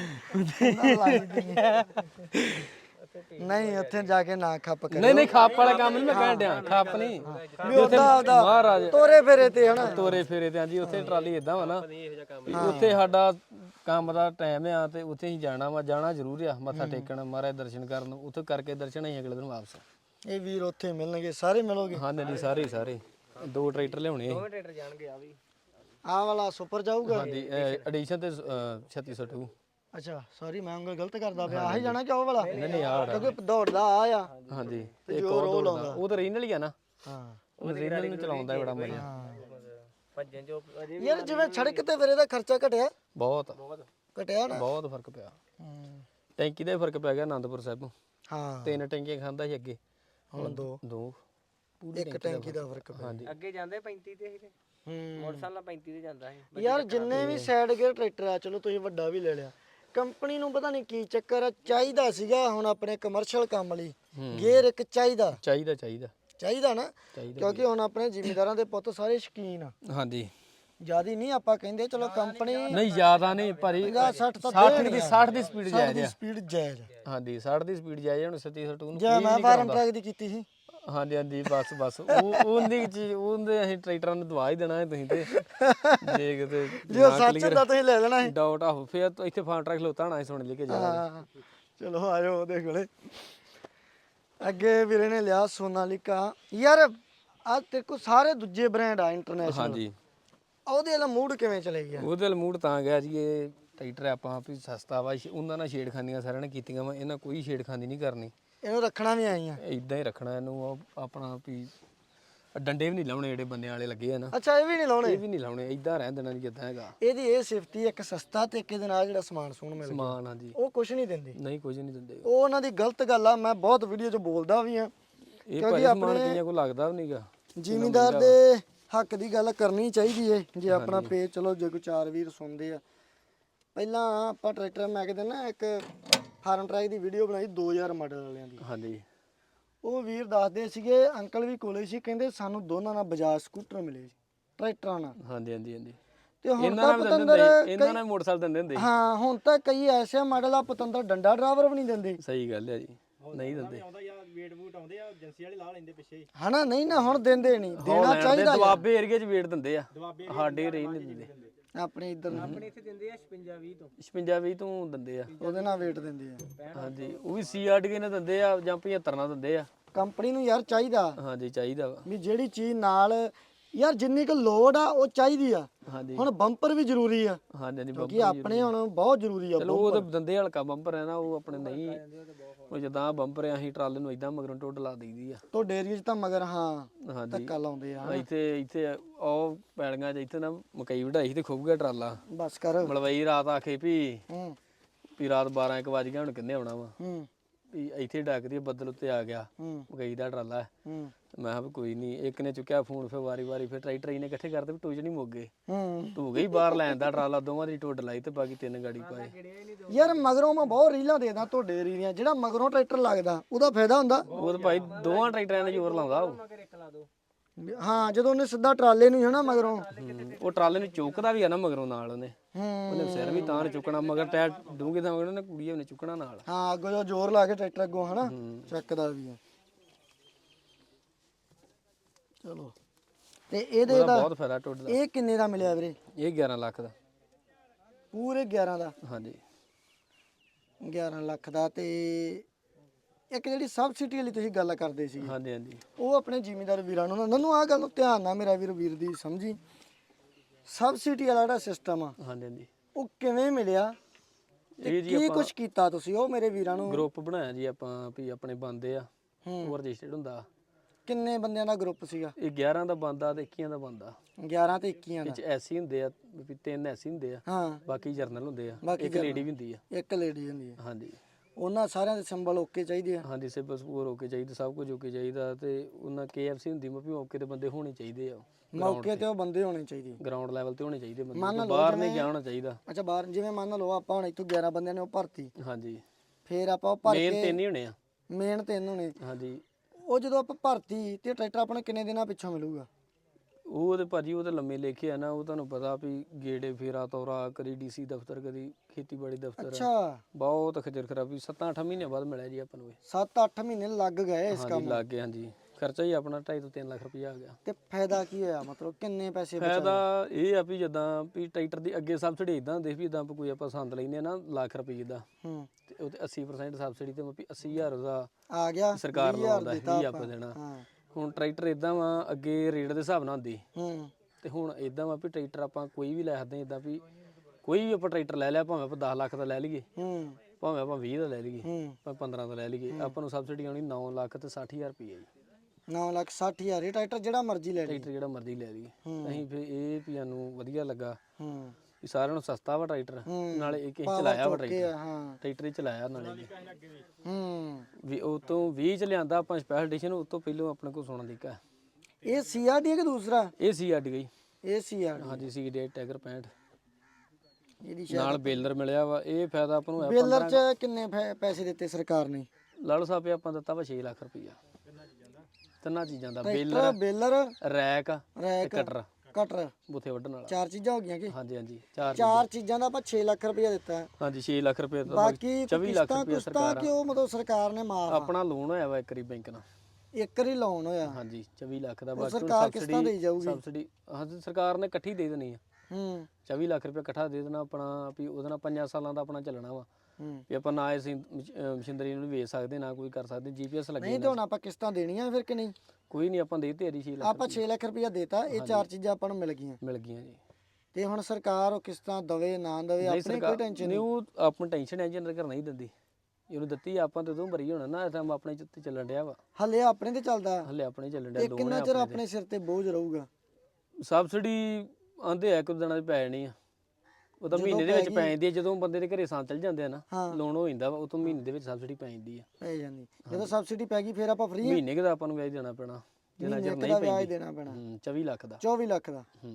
[SPEAKER 1] ਨਹੀਂ ਉੱਥੇ ਜਾ ਕੇ ਨਾ ਖੱਪ ਕਰ
[SPEAKER 2] ਨਹੀਂ ਨਹੀਂ ਖਾਪ ਵਾਲਾ ਕੰਮ ਨਹੀਂ ਮੈਂ ਕਹਿਣ ਡਿਆ ਖਾਪ ਨਹੀਂ
[SPEAKER 1] ਵੀ ਉਹਦਾ ਉਹਦਾ
[SPEAKER 2] ਮਹਾਰਾਜ
[SPEAKER 1] ਤੋਰੇ ਫੇਰੇ ਤੇ ਹਨਾ
[SPEAKER 2] ਤੋਰੇ ਫੇਰੇ ਤੇ ਹਾਂਜੀ ਉੱਥੇ ਟਰਾਲੀ ਇਦਾਂ ਵਾ ਨਾ ਵੀ ਉੱਥੇ ਸਾਡਾ ਕੰਮ ਦਾ ਟਾਈਮ ਆ ਤੇ ਉੱਥੇ ਹੀ ਜਾਣਾ ਵਾ ਜਾਣਾ ਜ਼ਰੂਰ ਆ ਮੱਥਾ ਟੇਕਣ ਮਹਾਰਾਜ ਦਰਸ਼ਨ ਕਰਨ ਉੱਥੇ ਕਰਕੇ ਦਰਸ਼ਨ ਅਸੀਂ ਅਗਲੇ ਦਿਨ ਵਾਪਸ
[SPEAKER 1] ਇਹ ਵੀਰ ਉੱਥੇ ਮਿਲਣਗੇ ਸਾਰੇ ਮਿਲੋਗੇ
[SPEAKER 2] ਹਾਂ ਨਹੀਂ ਸਾਰੇ ਹੀ ਸਾਰੇ ਦੋ ਟਰੈਕਟਰ ਲਿਆਉਣੇ
[SPEAKER 3] ਦੋਵੇਂ ਟਰੈਕਟਰ ਜਾਣਗੇ ਆ ਵੀ
[SPEAKER 1] ਆਹ ਵਾਲਾ ਸੁਪਰ ਜਾਊਗਾ
[SPEAKER 2] ਹਾਂਜੀ ਐਡੀਸ਼ਨ ਤੇ ਛੱਤੀ ਸੌ ਦੋ
[SPEAKER 1] ਅੱਛਾ ਸੌਰੀ ਮੈਂ ਉਂਗਲ ਗਲਤ ਕਰਦਾ ਪਿਆ ਆਹੀ ਜਾਣਾ ਕਿ ਉਹ ਵਾਲਾ
[SPEAKER 2] ਨਹੀਂ ਨਹੀਂ ਆਹ
[SPEAKER 1] ਕਿਉਂਕਿ ਦੌੜਦਾ ਆ ਆ
[SPEAKER 2] ਹਾਂਜੀ ਇੱਕ ਉਹ ਦੌੜਦਾ ਉਹ ਤਾਂ ਰੀਨਲ ਹੀ ਆ ਨਾ
[SPEAKER 1] ਹਾਂ
[SPEAKER 2] ਉਹ ਰੀਨਲ ਨੂੰ ਚਲਾਉਂਦਾ ਬੜਾ ਮਜ਼ਾ
[SPEAKER 3] ਭੱਜਣ ਜੋ ਅਜੇ
[SPEAKER 1] ਯਾਰ ਜਿਵੇਂ ਸੜਕ ਤੇ ਫਿਰ ਇਹਦਾ ਖਰਚਾ ਘਟਿਆ
[SPEAKER 2] ਬਹੁਤ
[SPEAKER 1] ਘਟਿਆ ਨਾ
[SPEAKER 2] ਬਹੁਤ ਫਰਕ ਪਿਆ
[SPEAKER 1] ਹੂੰ।
[SPEAKER 2] ਟੈਂਕੀ ਦਾ ਹੀ ਫਰਕ ਪੈ ਗਿਆ ਆਨੰਦਪੁਰ ਸਾਹਿਬੋਂ
[SPEAKER 1] ਹਾਂ
[SPEAKER 2] ਤਿੰਨ ਟੈਂਕੀਆਂ ਖਾਂਦਾ ਸੀ ਅੱਗੇ
[SPEAKER 1] ਹੁਣ ਦੋ
[SPEAKER 2] ਦੋ ਪੂਰੀ
[SPEAKER 1] ਇੱਕ ਟੈਂਕੀ ਦਾ ਫਰਕ ਪਿਆ
[SPEAKER 2] ਹਾਂਜੀ
[SPEAKER 3] ਅੱਗੇ ਜਾਂਦੇ ਪੈਂਤੀ ਤੇ ਸੀ ਤੇ
[SPEAKER 1] ਹੂੰ
[SPEAKER 3] ਮੋਟਰਸਾਈਕਲ ਨਾਲ ਪੈਂਤੀ ਤੇ ਜਾਂਦਾ ਸੀ
[SPEAKER 1] ਯਾਰ ਜਿੰਨੇ ਵੀ ਸਾਈਡ ਗੇਅਰ ਟਰੈਕਟਰ ਆ ਚਲੋ ਤੁਸੀਂ ਵੱਡਾ ਵੀ ਲੈ ਲਿਆ ਕੰਪਨੀ ਨੂੰ ਪਤਾ ਨਹੀਂ ਕੀ ਚੱਕਰ ਆ ਚਾਹੀਦਾ ਸੀਗਾ ਹੁਣ ਆਪਣੇ ਕਮਰਸ਼ੀਅਲ ਕੰਮ ਲਈ ਗੇਅਰ ਇੱਕ ਚਾਹੀਦਾ
[SPEAKER 2] ਚਾਹੀਦਾ ਚਾਹੀਦਾ
[SPEAKER 1] ਚਾਹੀਦਾ ਨਾ
[SPEAKER 2] ਚਾਹੀਦਾ
[SPEAKER 1] ਕਿਉਂਕਿ ਹੁਣ ਆਪਣੇ ਜ਼ਿਮੀਂਦਾਰਾਂ ਦੇ ਪੁੱਤ ਸਾਰੇ ਸ਼ੌਕੀਨ ਆ
[SPEAKER 2] ਹਾਂਜੀ
[SPEAKER 1] ਜਿਆਦੀ ਨਹੀਂ ਆਪਾਂ ਕਹਿੰਦੇ ਚਲੋ ਕੰਪਨੀ
[SPEAKER 2] ਨਹੀਂ ਜ਼ਿਆਦਾ ਨਹੀਂ ਭਾਰੀ
[SPEAKER 1] ਸੱਠ ਤਾਂ
[SPEAKER 2] ਸੱਠ ਦੀ ਸੱਠ ਦੀ ਸਪੀਡ ਜਾਇਜ਼
[SPEAKER 1] ਦੀ
[SPEAKER 2] ਆ
[SPEAKER 1] ਸਪੀਡ ਜਾਇਜ਼
[SPEAKER 2] ਹਾਂਜੀ ਸੱਠ ਦੀ ਸਪੀਡ ਜਾਇਜ਼ ਹੁਣ ਛੱਤੀ ਸੌ ਦੋ ਨੂੰ
[SPEAKER 1] ਜੇ ਮੈਂ ਫਾਰਮ ਟਰੈਕ ਦੀ ਕੀਤੀ ਸੀ
[SPEAKER 2] ਹਾਂਜੀ ਹਾਂਜੀ ਬਸ ਬਸ ਉਹ ਉਹਦੀ ਚੀਜ਼ ਉਹਦੇ ਅਸੀਂ ਟਰੈਕਟਰਾਂ ਨੂੰ ਦਵਾ ਹੀ ਦੇਣਾ ਹੈ ਤੁਸੀਂ ਤੇ ਜੇ ਕਿਤੇ
[SPEAKER 1] ਜੇ ਸੱਚ ਹੁੰਦਾ ਤੁਸੀਂ ਲੈ ਲੈਣਾ ਸੀ
[SPEAKER 2] ਡਾਊਟ ਆਹੋ ਫੇਰ ਤਾਂ ਇੱਥੇ ਫਾਨ ਟਰੈਕ ਖਲੋਤਾ ਹੋਣਾ ਸੀ ਸੁਣ ਲਈ ਕਿ ਜਾ
[SPEAKER 1] ਹਾਂ ਚਲੋ ਆਜੋ ਉਹਦੇ ਕੋਲੇ ਅੱਗੇ ਵੀਰੇ ਨੇ ਲਿਆ ਸੋਨਾਲੀਕਾ ਯਾਰ ਆ ਤੇਰੇ ਕੋ ਸਾਰੇ ਦੂਜੇ ਬ੍ਰਾਂਡ ਆ ਇੰਟਰਨੈਸ਼ਨਲ
[SPEAKER 2] ਹਾਂਜੀ
[SPEAKER 1] ਉਹਦੇ ਵਾਲਾ ਮੂਡ ਕਿਵੇਂ ਚਲੇ ਗਿਆ
[SPEAKER 2] ਉਹਦੇ ਵੱਲ ਮੂਡ ਤਾਂ ਗਿਆ ਜੀ ਇਹ ਟਰੈਕਟਰ ਆਪਾਂ ਵੀ ਸਸਤਾ ਵਾ ਉਹਨਾਂ ਨਾਲ ਛੇੜਖਾਨੀਆਂ ਸਾਰਿਆਂ ਨੇ ਕੀਤੀਆਂ ਵਾ ਇਹਨਾਂ ਕੋਈ ਛੇੜਖਾਨੀ ਨਹੀਂ ਕਰਨੀ
[SPEAKER 1] ਇਹਨੂੰ ਰੱਖਣਾ ਵੀ ਆਈਆਂ
[SPEAKER 2] ਇਦਾਂ ਹੀ ਰੱਖਣਾ ਇਹਨੂੰ ਉਹ ਆਪਣਾ ਵੀ ਡੰਡੇ ਵੀ ਨਹੀਂ ਲਾਉਣੇ ਜਿਹੜੇ ਬੰਨੇ ਵਾਲੇ ਲੱਗੇ ਆ ਨਾ
[SPEAKER 1] ਅੱਛਾ ਇਹ ਵੀ ਨਹੀਂ ਲਾਉਣੇ
[SPEAKER 2] ਇਹ ਵੀ ਨਹੀਂ ਲਾਉਣੇ ਇਦਾਂ ਰਹਿਣ ਦੇਣਾ ਜੀ ਜਿੱਦਾਂ ਹੈਗਾ
[SPEAKER 1] ਇਹਦੀ ਇਹ ਸੇਫਟੀ ਇੱਕ ਸਸਤਾ ਤੇ ਇੱਕ ਇਹਦੇ ਨਾਲ ਜਿਹੜਾ ਸਮਾਨ ਸੂਣ ਮਿਲ
[SPEAKER 2] ਸਮਾਨ ਹਾਂਜੀ
[SPEAKER 1] ਉਹ ਕੁਝ ਨਹੀਂ ਦਿੰਦੀ
[SPEAKER 2] ਨਹੀਂ ਕੁਝ ਨਹੀਂ ਦਿੰਦੇ
[SPEAKER 1] ਉਹ ਉਹਨਾਂ ਦੀ ਗਲਤ ਗੱਲ ਆ ਮੈਂ ਬਹੁਤ ਵੀਡੀਓ 'ਚ ਬੋਲਦਾ ਵੀ ਆ
[SPEAKER 2] ਇਹ ਭਾਈ ਸਮਾਨ ਕਈਆਂ ਕੋ ਲੱਗਦਾ ਵੀ ਨਹੀਂਗਾ
[SPEAKER 1] ਜ਼ਿਮੀਂਦਾਰ ਦੇ ਹੱਕ ਦੀ ਗੱਲ ਕਰਨੀ ਚਾਹੀਦੀ ਏ ਜੇ ਆਪਣਾ ਪੇਜ ਚਲੋ ਜੇ ਕੋਈ ਚਾਰ ਵੀਰ ਸੁਣਦੇ ਆ ਪਹਿਲਾਂ ਆਪਾਂ ਟਰੈਕਟਰ ਮੈਂ ਕਹਿੰਦਾ ਨਾ ਇੱਕ ਫਾਰਮ ਟਰੈਕ ਦੀ ਵੀਡੀਓ ਬਣਾਈ ਦੋ ਹਜ਼ਾਰ ਮਾਡਲ ਵਾਲਿਆਂ ਦੀ
[SPEAKER 2] ਹਾਂਜੀ
[SPEAKER 1] ਉਹ ਵੀਰ ਦੱਸਦੇ ਸੀਗੇ ਅੰਕਲ ਵੀ ਕੋਲੇ ਸੀ ਕਹਿੰਦੇ ਸਾਨੂੰ ਦੋਨਾਂ ਨਾਲ ਬਜਾਜ ਸਕੂਟਰ ਮਿਲੇ ਸੀ ਟਰੈਕਟਰਾਂ ਨਾਲ
[SPEAKER 2] ਹਾਂਜੀ ਹਾਂਜੀ ਹਾਂਜੀ
[SPEAKER 1] ਤੇ ਹੁਣ
[SPEAKER 2] ਇਹਨਾਂ
[SPEAKER 1] ਤਾਂ
[SPEAKER 2] ਨਾਲ
[SPEAKER 1] ਪਤੰਦਰ
[SPEAKER 2] ਦਿੰਦੇ ਇਹਨਾਂ ਨਾਲ ਮੋਟਰਸਾਈਕਲ ਦਿੰਦੇ ਹੁੰਦੇ
[SPEAKER 1] ਹਾਂ ਹੁਣ ਤਾਂ ਕਈ ਐਸੇ ਮਾਡਲ ਆ ਪਤੰਦਰ ਡੰਡਾ ਡਰਾਈਵਰ ਵੀ ਨਹੀਂ ਦਿੰਦੇ
[SPEAKER 2] ਸਹੀ ਗੱਲ ਹੈ ਜੀ ਨਹੀਂ ਦਿੰਦੇ
[SPEAKER 1] ਹਨਾ ਨਹੀਂ ਨਾ ਹੁਣ ਦਿੰਦੇ ਨਹੀਂ ਦੇਣਾ ਚਾਹੀਦਾ
[SPEAKER 2] ਦੁਆਬੇ ਏਰੀਆ 'ਚ ਵੇਟ ਦਿੰਦੇ ਆ ਸਾਡੇ ਰਹੀ ਨਹੀਂ ਦਿੰਦੇ
[SPEAKER 1] ਆਪਣੇ ਇੱਧਰ ਨੂੰ
[SPEAKER 3] ਆਪਣੇ ਇੱਥੇ ਦਿੰਦੇ ਆ ਛਪੰਜਾ ਵੀਹ ਤੋਂ
[SPEAKER 2] ਛਪੰਜਾ ਵੀਹ ਤੋਂ ਦਿੰਦੇ ਆ
[SPEAKER 1] ਉਹਦੇ ਨਾਲ ਵੇਟ ਦਿੰਦੇ ਆ
[SPEAKER 2] ਹਾਂਜੀ ਉਹ ਵੀ ਸੀਆਰਟੀ ਨਾਲ ਦਿੰਦੇ ਆ ਜਾਂ ਪਝੱਤਰ ਨਾਲ ਦਿੰਦੇ ਆ
[SPEAKER 1] ਕੰਪਨੀ ਨੂੰ ਯਾਰ ਚਾਹੀਦਾ
[SPEAKER 2] ਹਾਂਜੀ ਚਾਹੀਦਾ ਵਾ
[SPEAKER 1] ਵੀ ਜਿਹੜੀ ਚੀਜ਼ ਨਾਲ ਯਾਰ ਜਿੰਨੀ ਕੁ ਲੋਡ ਆ ਉਹ ਚਾਹੀਦੀ ਆ
[SPEAKER 2] ਹਾਂਜੀ
[SPEAKER 1] ਹੁਣ ਬੰਪਰ ਵੀ ਜ਼ਰੂਰੀ ਆ
[SPEAKER 2] ਹਾਂਜੀ ਹਾਂਜੀ
[SPEAKER 1] ਕਿਉਂਕਿ ਆਪਣੇ ਹੁਣ ਬਹੁਤ ਜ਼ਰੂਰੀ ਆ
[SPEAKER 2] ਚਲੋ ਉਹ ਤਾਂ ਦੰਦੇ ਹਲਕਾ ਬੰਪਰ ਹੈ ਨਾ ਉਹ ਆਪਣੇ ਨਹੀਂ ਉਹ ਜਦਾਂ ਬੰਪਰ ਆ ਅਸੀਂ ਟਰਾਲੇ ਨੂੰ ਇਦਾਂ ਮਗਰੋਂ ਟੁੱਟ ਲਾ ਦਈਦੀ ਆ
[SPEAKER 1] ਤੋਂ ਡੇਰੀ 'ਚ ਤਾਂ ਮਗਰ ਹਾਂ
[SPEAKER 2] ਹਾਂਜੀ
[SPEAKER 1] ਧੱਕਾ ਲਾਉਂਦੇ ਆ
[SPEAKER 2] ਇੱਥੇ ਇੱਥੇ ਉਹ ਪੈਲੀਆਂ 'ਚ ਇੱਥੇ ਨਾ ਮਕਈ ਵਢਾਈ ਤੇ ਖੁੱਭ ਗਿਆ ਟਰਾਲਾ
[SPEAKER 1] ਬਸ ਕਰ
[SPEAKER 2] ਮਲਵਈ ਰਾਤ ਆਖੇ ਵੀ
[SPEAKER 1] ਹੂੰ
[SPEAKER 2] ਵੀ ਰਾਤ ਬਾਰਾਂ ਇੱਕ ਵਜ ਗਿਆ ਹੁਣ ਕਿੰਨੇ ਆਉਣਾ ਵਾ
[SPEAKER 1] ਹੂੰ
[SPEAKER 2] ਵੀ ਇੱਥੇ ਡੱਕਦੀ ਆ, ਬੱਦਲ ਉੱਤੇ ਆ ਗਿਆ
[SPEAKER 1] ਹੂੰ
[SPEAKER 2] ਮਕਈ ਦਾ ਟਰਾਲਾ।
[SPEAKER 1] ਹੂੰ
[SPEAKER 2] ਮੈਂ ਕਿਹਾ ਵੀ ਕੋਈ ਨਹੀਂ, ਇੱਕ ਨੇ ਚੁੱਕਿਆ ਫੋਨ, ਫਿਰ ਵਾਰੀ ਵਾਰੀ ਫਿਰ ਟਰੈਕਟਰ ਇਹਨੇ ਇਕੱਠੇ ਕਰਦੇ ਵੀ ਟੂਜ ਨਹੀਂ ਮੁੱਕ ਗਏ,
[SPEAKER 1] ਹੂੰ
[SPEAKER 2] ਧੂ ਗਈ ਬਾਹਰ ਲੈਣ ਦਾ ਟਰਾਲਾ, ਦੋਵਾਂ ਦੀ ਟੁੱਡ ਲਾਈ ਤੇ ਬਾਕੀ ਤਿੰਨ ਗਾੜੀ ਪਾਏ।
[SPEAKER 1] ਯਾਰ ਮਗਰੋਂ ਮੈਂ ਬਹੁਤ ਰੀਲਾਂ ਦੇਖਦਾ ਤੁਹਾਡੇ ਰੀਲਾਂ, ਜਿਹੜਾ ਮਗਰੋਂ ਟਰੈਕਟਰ ਲੱਗਦਾ ਉਹਦਾ ਫਾਇਦਾ ਹੁੰਦਾ।
[SPEAKER 2] ਉਹ ਤਾਂ ਭਾਈ ਦੋਵਾਂ ਟਰੈਕਟਰਾਂ ਨੇ ਜ਼ੋਰ ਲਾਉਂਦਾ ਉਹ।
[SPEAKER 1] ਹਾਂ ਜਦੋਂ ਉਹਨੇ ਸਿੱਧਾ ਟਰਾਲੇ ਨੂੰ ਹੀ ਹਨਾ ਮਗਰੋਂ।
[SPEAKER 2] ਹੂੰ, ਉਹ ਟਰਾਲੇ ਨੂੰ ਚੁੱਕਦਾ ਵੀ ਆ ਨਾ ਮਗਰੋਂ ਨਾਲ ਉਹਨੇ,
[SPEAKER 1] ਹੂੰ
[SPEAKER 2] ਉਹਨੇ ਸਿਰ ਵੀ ਤਾਂ ਚੁੱਕਣਾ, ਮਗਰ ਟਾਇਰ ਡੂੰਘੇ ਤਾਂ ਮਗਰ ਉਹਨੇ ਕੁੜੀਏ ਨੇ ਚੁੱਕਣਾ ਨਾਲ।
[SPEAKER 1] ਹਾਂ ਅੱਗੋਂ ਜੋ ਜ਼ੋਰ ਲਾ ਕੇ ਟਰੈਕਟਰ ਅੱਗੋਂ ਹਨਾ
[SPEAKER 2] ਹੂੰ।
[SPEAKER 1] ਚੱਕਦਾ ਵੀ ਆ। ਚਲੋ ਤੇ ਇਹਦੇ
[SPEAKER 2] ਉਹਦਾ
[SPEAKER 1] ਦਾ
[SPEAKER 2] ਬਹੁਤ ਫਾਇਦਾ ਟੁੱਟ ਦਾ।
[SPEAKER 1] ਇਹ ਕਿੰਨੇ ਦਾ ਮਿਲਿਆ ਵੀਰੇ?
[SPEAKER 2] ਇਹ ਗਿਆਰਾਂ ਲੱਖ ਦਾ।
[SPEAKER 1] ਪੂਰੇ ਗਿਆਰਾਂ ਦਾ?
[SPEAKER 2] ਹਾਂਜੀ
[SPEAKER 1] ਗਿਆਰਾਂ ਲੱਖ ਦਾ। ਤੇ ਇੱਕ ਜਿਹੜੀ ਸਬਸਿਡੀ ਵਾਲੀ ਤੁਸੀਂ ਗੱਲ ਕਰਦੇ ਸੀ,
[SPEAKER 2] ਹਾਂਜੀ ਹਾਂਜੀ
[SPEAKER 1] ਉਹ ਆਪਣੇ ਜ਼ਿਮੀਂਦਾਰ ਵੀਰਾਂ ਨੂੰ ਮੈਨੂੰ ਆਹ ਗੱਲ ਨੂੰ ਧਿਆਨ ਨਾਲ ਮੇਰਾ ਵੀਰ ਵੀਰ ਦੀ ਸਮਝੀ, ਸਬਸਿਡੀ ਵਾਲਾ ਜਿਹੜਾ ਸਿਸਟਮ ਆ
[SPEAKER 2] ਹਾਂਜੀ ਹਾਂਜੀ
[SPEAKER 1] ਉਹ ਕਿਵੇਂ ਮਿਲਿਆ ਤੇ
[SPEAKER 2] ਇਹ ਜੀ
[SPEAKER 1] ਕੀ
[SPEAKER 2] ਆਪਾਂ
[SPEAKER 1] ਕੁਝ ਕੀਤਾ ਤੁਸੀਂ ਉਹ ਮੇਰੇ ਵੀਰਾਂ ਨੂੰ?
[SPEAKER 2] ਗਰੁੱਪ ਬਣਾਇਆ ਜੀ ਆਪਾਂ, ਵੀ ਆਪਣੇ ਬੰਦੇ ਆ,
[SPEAKER 1] ਹੂੰ
[SPEAKER 2] ਉਹ ਰਜਿਸਟਰਡ ਹੁੰਦਾ।
[SPEAKER 1] ਕਿੰਨੇ ਬੰਦਿਆਂ ਦਾ ਗਰੁੱਪ ਸੀਗਾ?
[SPEAKER 2] ਇਹ ਗਿਆਰਾਂ ਦਾ ਬੰਦਾ ਤੇ ਇੱਕੀਆਂ ਦਾ ਬੰਦਾ।
[SPEAKER 1] ਗਿਆਰਾਂ ਤੇ ਇੱਕੀਆਂ ਦਾ?
[SPEAKER 2] ਇਹ ਚ ਐਸੀ ਹੁੰਦੇ ਆ ਵੀ ਤਿੰਨ ਐਸੀ ਹੁੰਦੇ ਆ,
[SPEAKER 1] ਹਾਂ
[SPEAKER 2] ਬਾਕੀ ਜਰਨਲ ਹੁੰਦੇ ਆ,
[SPEAKER 1] ਬਾਕੀ
[SPEAKER 2] ਇੱਕ ਲੇਡੀ ਵੀ ਹੁੰਦੀ ਆ।
[SPEAKER 1] ਇੱਕ ਲੇਡੀ ਹੁੰਦੀ ਹੈ।
[SPEAKER 2] ਹਾਂਜੀ
[SPEAKER 1] ਉਹਨਾਂ ਸਾਰਿਆਂ ਦੇ ਸਿੰਬਲ ਓਕੇ ਚਾਹੀਦੇ ਆ?
[SPEAKER 2] ਹਾਂਜੀ ਸਿਬਲ ਸਕੋਰ ਓਕੇ ਚਾਹੀਦਾ, ਸਭ ਕੁਝ ਓਕੇ ਚਾਹੀਦਾ। ਤੇ ਉਹਨਾਂ ਕੇ ਐਫ ਸੀ ਹੁੰਦੀ ਮੱਪੀ, ਓਕੇ ਤੇ ਬੰਦੇ ਹੋਣੇ ਚਾਹੀਦੇ ਆ,
[SPEAKER 1] ਮੌਕੇ ਤੇ ਉਹ ਬੰਦੇ ਹੋਣੇ ਚਾਹੀਦੇ।
[SPEAKER 2] ਗਰਾਊਂਡ ਲੈਵਲ ਤੇ ਹੋਣੇ ਚਾਹੀਦੇ ਬੰਦੇ,
[SPEAKER 1] ਮੰਨ
[SPEAKER 2] ਕੋਈ
[SPEAKER 1] ਲਓ
[SPEAKER 2] ਬਾਹਰ ਨਹੀਂ
[SPEAKER 1] ਜਿਵੇਂ-
[SPEAKER 2] ਗਿਆ ਹੋਣਾ ਚਾਹੀਦਾ।
[SPEAKER 1] ਅੱਛਾ ਬਾਹਰ ਜਿਵੇਂ ਮੰਨ ਲਓ ਆਪਾਂ ਹੁਣ ਇੱਥੋਂ ਗਿਆਰਾਂ ਬੰਦਿਆਂ ਨੇ ਉਹ ਭਰਤੀ,
[SPEAKER 2] ਹਾਂਜੀ
[SPEAKER 1] ਫੇਰ ਆਪਾਂ ਉਹ ਭਰ
[SPEAKER 2] ਮੇਨ
[SPEAKER 1] ਕੇ
[SPEAKER 2] ਤਿੰਨ ਹੀ ਹੋਣੇ ਆ।
[SPEAKER 1] ਮੇਨ ਤਿੰਨ ਹੋਣੇ,
[SPEAKER 2] ਹਾਂਜੀ
[SPEAKER 1] ਉਹ ਜਦੋਂ ਆਪਾਂ ਭਰਤੀ ਤੇ ਟਰੈਕਟਰ ਆਪਾਂ ਨੂੰ ਕਿੰਨੇ ਦਿਨਾਂ ਪਿੱਛੋਂ ਮਿਲੂਗਾ?
[SPEAKER 2] ਉਹ ਤੇ ਭਾਜੀ ਉਹ ਤੇ ਲੰਮੇ ਲੇਖੇ ਆ ਨਾ, ਉਹ ਤੁਹਾਨੂੰ ਪਤਾ ਵੀ ਗੇੜੇ ਫੇਰਾ ਤੋਰਾ, ਕਦੀ ਡੀਸੀ ਦਫ਼ਤਰ, ਕਦੀ ਖੇਤੀਬਾੜੀ ਦਫ਼ਤਰ,
[SPEAKER 1] ਅੱਛਾ
[SPEAKER 2] ਬਹੁਤ ਖੱਜਲ ਖਰਾਬੀ। ਸੱਤਾਂ ਅੱਠਾਂ ਮਹੀਨੇ ਬਾਅਦ ਮਿਲਿਆ ਜੀ ਆਪਾਂ ਨੂੰ ਇਹ।
[SPEAKER 1] ਸੱਤ ਅੱਠ ਮਹੀਨੇ ਲੱਗ ਗਏ ਇਸ
[SPEAKER 2] ਹਾਂਜੀ
[SPEAKER 1] ਕੰਮ?
[SPEAKER 2] ਲੱਗ ਗਏ। ਹਾਂਜੀ ਖਰਚਾ ਹੀ ਆਪਣਾ ਢਾਈ ਤੋਂ ਤਿੰਨ ਲੱਖ ਰੁਪਇਆ ਆ ਗਿਆ।
[SPEAKER 1] ਤੇ ਫਾਇਦਾ ਕੀ ਹੋਇਆ, ਮਤਲਬ ਕਿੰਨੇ ਪੈਸੇ ਬਚਾਏ?
[SPEAKER 2] ਫਾਇਦਾ ਇਹ ਆ ਵੀ ਜਿੱਦਾਂ ਵੀ ਟਰੈਕਟਰ ਦੀ ਅੱਗੇ ਸਬਸਿਡੀ ਇਦਾਂ ਹੁੰਦੀ ਵੀ ਜਿੱਦਾਂ ਕੋਈ ਆਪਾਂ ਸੰਦ ਲੈਂਦੇ ਆ ਨਾ ਲੱਖ ਰੁਪਏ ਦਾ,
[SPEAKER 1] ਹੂੰ
[SPEAKER 2] ਤੇ ਉਹ ਤੇ ਅੱਸੀ ਪਰਸੈਂਟ ਸਬਸਿਡੀ ਤੇ ਵੀ ਅੱਸੀ ਹਜ਼ਾਰ ਉਹਦਾ
[SPEAKER 1] ਆ ਗਿਆ,
[SPEAKER 2] ਸਰਕਾਰ
[SPEAKER 1] ਵੀਹ ਹਜ਼ਾਰ
[SPEAKER 2] ਲਾਉਂਦਾ,
[SPEAKER 1] ਦਿੱਤਾ
[SPEAKER 2] ਵੀਹ
[SPEAKER 1] ਆਪਾਂ।
[SPEAKER 2] ਆਪਾਂ ਦੇਣਾ।
[SPEAKER 1] ਹਾਂ
[SPEAKER 2] ਹੁਣ ਟਰੈਕਟਰ ਇਦਾਂ ਵਾ, ਅੱਗੇ ਰੇਟ ਦੇ ਹਿਸਾਬ ਨਾਲ ਹੁੰਦੀ,
[SPEAKER 1] ਹੂੰ
[SPEAKER 2] ਤੇ ਹੁਣ ਇਦਾਂ ਵਾ ਵੀ ਟਰੈਕਟਰ ਆਪਾਂ ਕੋਈ ਵੀ ਲੈ ਸਕਦੇ ਇਦਾਂ ਵੀ ਕੋਈ ਵੀ ਆਪਾਂ ਟਰੈਕਟਰ ਲੈ ਲਿਆ, ਭਾਵੇਂ ਆਪਾਂ ਦਸ ਲੱਖ ਦਾ ਲੈ ਲਈਏ,
[SPEAKER 1] ਹੂੰ
[SPEAKER 2] ਭਾਵੇਂ ਆਪਾਂ ਵੀਹ ਦਾ ਲੈ ਲਈਏ,
[SPEAKER 1] ਹੂੰ
[SPEAKER 2] ਭਾਵੇਂ ਪੰਦਰਾਂ ਦਾ ਲੈ ਲਈਏ, ਆਪਾਂ ਨੂੰ ਸਬਸਿਡੀ ਆਉਣੀ ਨੌ ਲੱਖ ਤੇ ਸੱਠ ਹਜ਼ਾਰ ਰੁਪਏ ਜੀ।
[SPEAKER 1] ਨੌ ਲੱਖ ਸੱਠ ਹਜ਼ਾਰ ਇਹ ਟਰੈਕਟਰ ਜਿਹੜਾ ਮਰਜ਼ੀ ਲੈ ਲਈ?
[SPEAKER 2] ਟਰੈਕਟਰ ਜਿਹੜਾ ਮਰਜ਼ੀ ਲੈ ਲਈਏ। ਅਸੀਂ ਫਿਰ ਇਹ ਵੀ ਸਾਨੂੰ ਵਧੀਆ ਲੱਗਾ
[SPEAKER 1] ਹੂੰ
[SPEAKER 2] ਵੀ ਸਾਰਿਆਂ ਨੂੰ ਸਸਤਾ ਵਾ ਟਰੈਕਟਰ,
[SPEAKER 1] ਹੂੰ।
[SPEAKER 2] ਨਾਲੇ ਇੱਕ
[SPEAKER 1] Power
[SPEAKER 2] ਚਲਾਇਆ ਵਾ
[SPEAKER 1] ਚੁੱਕੇ
[SPEAKER 2] ਟਰੈਕਟਰ,
[SPEAKER 1] ਆ, ਹਾਂ
[SPEAKER 2] ਟਰੈਕਟਰ ਹੀ ਚਲਾਇਆ ਨਾਲੇ ਜੀ।
[SPEAKER 1] ਹੂੰ
[SPEAKER 2] ਵੀ ਉਹ ਤੋਂ ਵੀਹ ਚ ਲਿਆਂਦਾ ਆਪਾਂ ਸਪੈਸ਼ਲ ਐਡੀਸ਼ਨ, ਉਸ ਤੋਂ ਪਹਿਲਾਂ ਆਪਣੇ ਕੋਲ ਸੋਨਾ ਲਿਖਾ।
[SPEAKER 1] ਇਹ ਸੀਆਰਡੀ ਹੈ ਕਿ ਦੂਸਰਾ?
[SPEAKER 2] ਇਹ ਸੀ ਅੱਡ ਗਈ।
[SPEAKER 1] ਇਹ ਸੀਆਰਡੀ?
[SPEAKER 2] ਹਾਂਜੀ ਸੀ ਡੇ ਟੈਗਰ ਪੈਂਹਠ
[SPEAKER 1] ਇਹਦੀ
[SPEAKER 2] ਨਾਲ ਬੇਲਰ ਮਿਲਿਆ ਵਾ। ਇਹ ਫਾਇਦਾ ਆਪਾਂ ਨੂੰ
[SPEAKER 1] ਬੇਲਰ ਚ ਕਿੰਨੇ ਪੈ- ਪੈਸੇ ਦਿੱਤੇ ਸਰਕਾਰ ਨੇ?
[SPEAKER 2] ਲਾਲੋ ਸਾਹਿਬ ਆਪਾਂ ਦਿੱਤਾ ਵਾ ਛੇ ਲੱਖ ਰੁਪਈਆ ਤਿੰਨਾਂ ਚੀਜ਼ਾਂ ਦਾ,
[SPEAKER 1] ਟਰੈਕਟਰ,
[SPEAKER 2] ਬੇਲਰ,
[SPEAKER 1] ਬੇਲਰ,
[SPEAKER 2] ਰੈਕ ਤੇ
[SPEAKER 1] ਰੈਕ,
[SPEAKER 2] ਕਟਰ,
[SPEAKER 1] ਕਟਰ,
[SPEAKER 2] ਬੁੱਥੇ ਵੱਢਣ ਵਾਲਾ।
[SPEAKER 1] ਚਾਰ ਚੀਜ਼ਾਂ ਹੋ ਗਈਆਂ ਕਿ?
[SPEAKER 2] ਹਾਂਜੀ ਹਾਂਜੀ ਚਾਰ
[SPEAKER 1] ਚਾਰ ਚੀਜ਼ਾਂ ਦਾ ਆਪਾਂ ਛੇ ਲੱਖ ਰੁਪਇਆ ਦਿੱਤਾ।
[SPEAKER 2] ਹਾਂਜੀ ਛੇ ਲੱਖ ਰੁਪਏ ਦਾ,
[SPEAKER 1] ਬਾਕੀ
[SPEAKER 2] ਚੌਵੀ ਲੱਖ
[SPEAKER 1] ਕਿਸ਼ਤਾਂ
[SPEAKER 2] ਰੁਪਏ
[SPEAKER 1] ਕੁਸ਼ਤਾਂ
[SPEAKER 2] ਸਰਕਾਰ
[SPEAKER 1] ਕਿ ਉਹ ਮਤਲਬ ਸਰਕਾਰ ਨੇ ਮਾਫ?
[SPEAKER 2] ਆਪਣਾ ਲੋਨ ਹੋਇਆ ਵਾ ਇੱਕ ਵਾਰੀ ਬੈਂਕ ਨਾਲ,
[SPEAKER 1] ਇੱਕ ਵਾਰੀ ਲੋਨ ਹੋਇਆ?
[SPEAKER 2] ਹਾਂਜੀ ਚੌਵੀ ਲੱਖ ਦਾ।
[SPEAKER 1] ਉਹ
[SPEAKER 2] ਬਾਕੀ
[SPEAKER 1] ਸਰਕਾਰ ਕਿਸ਼ਤਾਂ ਦੇਈ ਜਾਊਗੀ?
[SPEAKER 2] ਸਬਸਿਡੀ ਹਾਂਜੀ ਸਰਕਾਰ ਨੇ ਇਕੱਠੀ ਦੇ ਦੇਣੀ ਆ।
[SPEAKER 1] ਹੂੰ
[SPEAKER 2] ਚੌਵੀ ਲੱਖ ਰੁਪਏ ਇਕੱਠਾ ਦੇ ਦੇਣਾ ਆਪਣਾ, ਵੀ ਉਹਦੇ ਨਾਲ ਪੰਜਾਂ ਸਾਲਾਂ ਦਾ ਆਪਣਾ ਚੱਲਣਾ ਵਾ।
[SPEAKER 1] ਹੂੰ
[SPEAKER 2] ਵੀ ਆਪਾਂ ਨਾ ਇਸ ਮਸ਼ੀਨਰੀ ਨੂੰ ਵੇਚ ਸਕਦੇ, ਨਾ ਕੋਈ ਕਰ ਸਕਦੇ, ਜੀਪੀਐਸ ਲੱਗੇ
[SPEAKER 1] ਨਹੀਂ ਤੇ ਹੁਣ ਆਪਾਂ ਕਿਸ਼ਤਾਂ ਦੇਣੀਆਂ ਫਿਰ ਕਿ ਨਹੀਂ?
[SPEAKER 2] ਕੋਈ ਨਹੀਂ, ਆਪਾਂ ਦੇ ਤੇਰੀ ਛੇ ਲੱਖ
[SPEAKER 1] ਆਪਾਂ ਛੇ ਲੱਖ ਰੁਪਇਆ ਦੇਤਾ, ਇਹ ਚਾਰ ਚੀਜ਼ਾਂ ਆਪਾਂ ਨੂੰ ਮਿਲ ਗਈਆਂ
[SPEAKER 2] ਮਿਲ ਗਈਆਂ ਜੀ।
[SPEAKER 1] ਤੇ ਹੁਣ ਸਰਕਾਰ ਉਹ ਕਿਸ਼ਤਾਂ ਦਵੇ ਨਾ ਦਵੇ ਆਪਣੀ ਕੋਈ ਟੈਨਸ਼ਨ
[SPEAKER 2] ਨਹੀਂ, ਉਹ ਆਪਣੀ ਟੈਨਸ਼ਨ ਹੈ ਜੀ, ਅੰਦਰ ਘਰ ਨਹੀਂ ਦਿੰਦੀ। ਇਹਨੂੰ ਦਿੱਤੀ ਆਪਾਂ ਤੇ ਉਦੋਂ ਭਰੀ ਹੋਣਾ ਨਾ, ਤਾਂ ਆਪਣੇ ਚ ਚੱਲਣ ਡਿਆ ਵਾ,
[SPEAKER 1] ਹੱਲੇ ਆਪਣੇ ਤੇ ਚੱਲਦਾ?
[SPEAKER 2] ਹਲੇ ਆਪਣੇ ਚੱਲਣ ਡਿਆ।
[SPEAKER 1] ਇਹ ਕਿੰਨਾ ਚਿਰ ਆਪਣੇ ਸਿਰ ਤੇ ਬੋਝ ਰਹੂਗਾ?
[SPEAKER 2] ਸਬਸਿਡੀ ਆਂਦੇ ਆ, ਇੱਕ ਦਿਨਾਂ ਚ ਪੈ ਜਾਣੀ ਆ, ਉਹ ਤਾਂ ਮਹੀਨੇ ਦੇ ਵਿੱਚ ਪੈ ਜਾਂਦੀ ਆ। ਜਦੋਂ ਬੰਦੇ ਦੇ ਘਰੇ ਸਾਂ ਚੱਲ ਜਾਂਦੇ ਆ ਨਾ, ਲੋਨ ਹੋ ਜਾਂਦਾ ਵਾ, ਉਹ ਤੋਂ ਮਹੀਨੇ ਦੇ ਵਿੱਚ ਸਬਸਿਡੀ ਪੈ ਜਾਂਦੀ ਆ।
[SPEAKER 1] ਪੈ ਜਾਂਦੀ ਜਦੋਂ ਸਬਸਿਡੀ ਪੈ ਗਈ ਫਿਰ ਆਪਾਂ ਫ੍ਰੀ?
[SPEAKER 2] ਮਹੀਨੇ ਕੁ ਦਾ ਆਪਾਂ ਨੂੰ ਵਿਆਜ ਦੇਣਾ ਪੈਣਾ, ਜਿੰਨਾ ਚਿਰ ਨਹੀਂ
[SPEAKER 1] ਵਿਆਜ
[SPEAKER 2] ਪੈਂਦੀ।
[SPEAKER 1] ਦੇਣਾ ਪੈਣਾ?
[SPEAKER 2] ਹੂੰ ਚੌਵੀ ਲੱਖ ਦਾ।
[SPEAKER 1] ਚੌਵੀ ਲੱਖ ਦਾ?
[SPEAKER 2] ਹੂੰ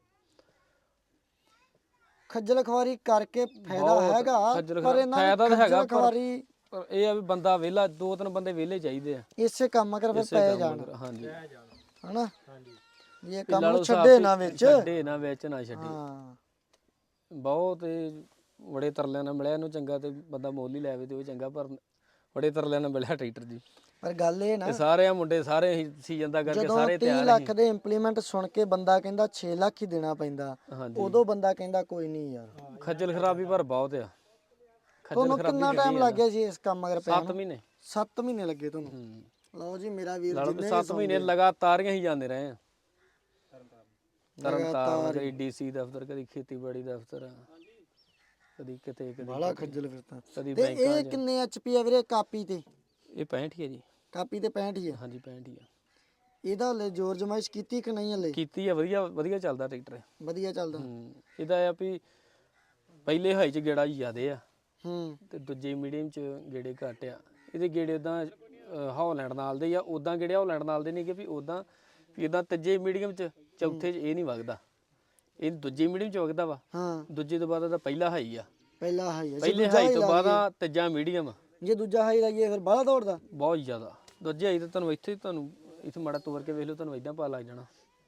[SPEAKER 1] ਖੱਜਲ ਖਵਾਰੀ ਕਰਕੇ ਫਾਇਦਾ ਹੈਗਾ, ਪਰ ਇਹਨਾਂ
[SPEAKER 2] ਫਾਇਦਾ ਤਾਂ ਹੈਗਾ,
[SPEAKER 1] ਖੱਜਲ ਖਵਾਰੀ
[SPEAKER 2] ਪਰ ਇਹ ਆ ਵੀ ਬੰਦਾ ਵਿਹਲਾ, ਦੋ ਤਿੰਨ ਬੰਦੇ ਵਿਹਲੇ ਚਾਹੀਦੇ ਆ
[SPEAKER 1] ਇਸੇ ਕੰਮ ਕਰ ਫਿਰ ਪੈ ਜਾਣ,
[SPEAKER 2] ਹਾਂਜੀ
[SPEAKER 1] ਹਨਾ? ਇਹ ਕੰਮ ਨੂੰ ਛੱਡੇ ਨਾ ਵਿੱਚ,
[SPEAKER 2] ਛੱਡੇ ਨਾ ਵਿੱਚ ਨਾ ਛੱਡੇ।
[SPEAKER 1] ਹਾਂ
[SPEAKER 2] ਬਹੁਤ ਇਹ ਬੜੇ ਤਰਲਿਆਂ ਨਾਲ ਮਿਲਿਆ ਇਹਨੂੰ, ਚੰਗਾ ਤੇ ਬੰਦਾ ਮੁੱਲ ਹੀ ਲੈਵੇ ਤੇ ਉਹ ਚੰਗਾ, ਪਰ ਬੜੇ ਤਰਲਿਆਂ ਨਾਲ ਮਿਲਿਆ ਟਰੈਕਟਰ ਜੀ।
[SPEAKER 1] ਪਰ ਗੱਲ ਇਹ ਨਾ,
[SPEAKER 2] ਤੇ ਸਾਰੇ ਆ ਮੁੰਡੇ ਸਾਰੇ ਹੀ ਸੀਜ਼ਨ ਦਾ ਕਰਕੇ
[SPEAKER 1] ਜਦੋਂ
[SPEAKER 2] ਸਾਰੇ
[SPEAKER 1] ਤੀਹ
[SPEAKER 2] ਤਿਆਰ
[SPEAKER 1] ਲੱਖ ਦੇ ਇੰਪਲੀਮੈਂਟ ਸੁਣ ਕੇ ਬੰਦਾ ਕਹਿੰਦਾ ਛੇ ਲੱਖ ਹੀ ਦੇਣਾ ਪੈਂਦਾ,
[SPEAKER 2] ਹਾਂਜੀ
[SPEAKER 1] ਉਦੋਂ ਬੰਦਾ ਕਹਿੰਦਾ ਕੋਈ ਨਹੀਂ ਯਾਰ।
[SPEAKER 2] ਖੱਜਲ ਖਰਾਬੀ ਪਰ ਬਹੁਤ ਆ। ਖੱਜਲ
[SPEAKER 1] ਤੁਹਾਨੂੰ
[SPEAKER 2] ਖਰਾਬੀ
[SPEAKER 1] ਕਿੰਨਾ ਟਾਈਮ ਲੱਗ ਗਿਆ ਜੀ ਇਸ ਕੰਮ ਅਗਰ ਪੈ?
[SPEAKER 2] ਸੱਤ ਮਹੀਨੇ।
[SPEAKER 1] ਸੱਤ ਮਹੀਨੇ ਲੱਗੇ ਤੁਹਾਨੂੰ?
[SPEAKER 2] ਹੂੰ
[SPEAKER 1] ਲਓ ਜੀ ਮੇਰਾ ਵੀਰ
[SPEAKER 2] ਲਾ ਲਓ
[SPEAKER 1] ਜਿੰਨੇ
[SPEAKER 2] ਵੀ
[SPEAKER 1] ਵੀ
[SPEAKER 2] ਸੱਤ ਮਹੀਨੇ ਲਗਾਤਾਰ ਹੀ ਜਾਂਦੇ ਰਹੇ ਆ। ਤਰਨਤਾਰਨ, ਕਦੀ ਡੀਸੀ ਦਫ਼ਤਰ, ਕਦੀ ਖੇਤੀਬਾੜੀ ਦਫ਼ਤਰ, ਕਦੀ ਕਿਤੇ ਕਦੀ
[SPEAKER 1] ਬਾਲਾ ਖੱਜਲ ਫਿਰਦਾ।
[SPEAKER 2] ਕਦੀ
[SPEAKER 1] ਤੇ
[SPEAKER 2] ਬੈਂਕਾਂ
[SPEAKER 1] ਇਹ ਕਿੰਨੇ ਐਚਪੀ ਆ ਵੀਰੇ ਕਾਪੀ ਤੇ?
[SPEAKER 2] ਇਹ ਪੈਂਹਠ ਹੀ ਆ ਜੀ।
[SPEAKER 1] ਕਾਪੀ ਤੇ ਪੈਂਹਠ ਹੀ ਆ?
[SPEAKER 2] ਹਾਂਜੀ ਪੈਂਹਠ ਹੀ ਆ।
[SPEAKER 1] ਇਹਦਾ ਹਲੇ ਜ਼ੋਰ ਜਮਾਇਸ਼ ਕੀਤੀ ਕਿ ਨਹੀਂ ਹਲੇ?
[SPEAKER 2] ਕੀਤੀ ਆ, ਵਧੀਆ ਵਧੀਆ ਚੱਲਦਾ ਟਰੈਕਟਰ।
[SPEAKER 1] ਵਧੀਆ ਚੱਲਦਾ?
[SPEAKER 2] ਹੂੰ ਇਹਦਾ ਆ ਵੀ ਪਹਿਲੇ ਹਾਈ ਚ ਗੇੜਾ ਜ਼ਿਆਦੇ ਆ
[SPEAKER 1] ਹੂੰ
[SPEAKER 2] ਤੇ ਦੂਜੇ ਮੀਡੀਅਮ ਚ ਗੇੜੇ ਘੱਟ ਆ। ਇਹਦੇ ਗੇੜੇ ਉਦਾਂ ਹੌਲੈਂਡ ਨਾਲ ਦੇ ਆ, ਉਦਾਂ ਗੇੜੇ ਹੌਲੈਂਡ ਨਾਲ ਦੇ ਨਹੀਂਗੇ ਵੀ ਉਦਾਂ ਵੀ ਇਦਾਂ ਤੀਜੇ ਮੀਡੀਅਮ 'ਚ ਚੌਥੇ 'ਚ ਇਹ ਨਹੀਂ ਵਗਦਾ, ਇਹ ਦੂਜੇ ਮੀਡੀਅਮ 'ਚ ਵਗਦਾ ਵਾ।
[SPEAKER 1] ਹਾਂ
[SPEAKER 2] ਦੂਜੇ ਤੋਂ ਬਾਅਦ ਉਹਦਾ ਪਹਿਲਾ ਹਾਈ ਆ,
[SPEAKER 1] ਪਹਿਲਾ ਹਾਈ ਆ,
[SPEAKER 2] ਪਹਿਲੇ ਹਾਈ ਤੋਂ ਬਾਅਦ ਆ ਤੀਜਾ ਮੀਡੀਅਮ।
[SPEAKER 1] ਜੇ ਦੂਜਾ ਹਾਈ ਲਾਈਏ ਫਿਰ ਬਾਹਲਾ ਦੌੜਦਾ
[SPEAKER 2] ਬਹੁਤ ਜ਼ਿਆਦਾ। ਦੂਜੇ ਹਾਈ ਤਾਂ ਤੁਹਾਨੂੰ ਇੱਥੇ ਤੁਹਾਨੂੰ ਇੱਥੇ ਮਾੜਾ ਤੋਰ ਕੇ ਵੇਖ ਲਓ, ਤੁਹਾਨੂੰ ਇਦਾਂ ਪਾ ਲੱਗ ਜਾਣਾ।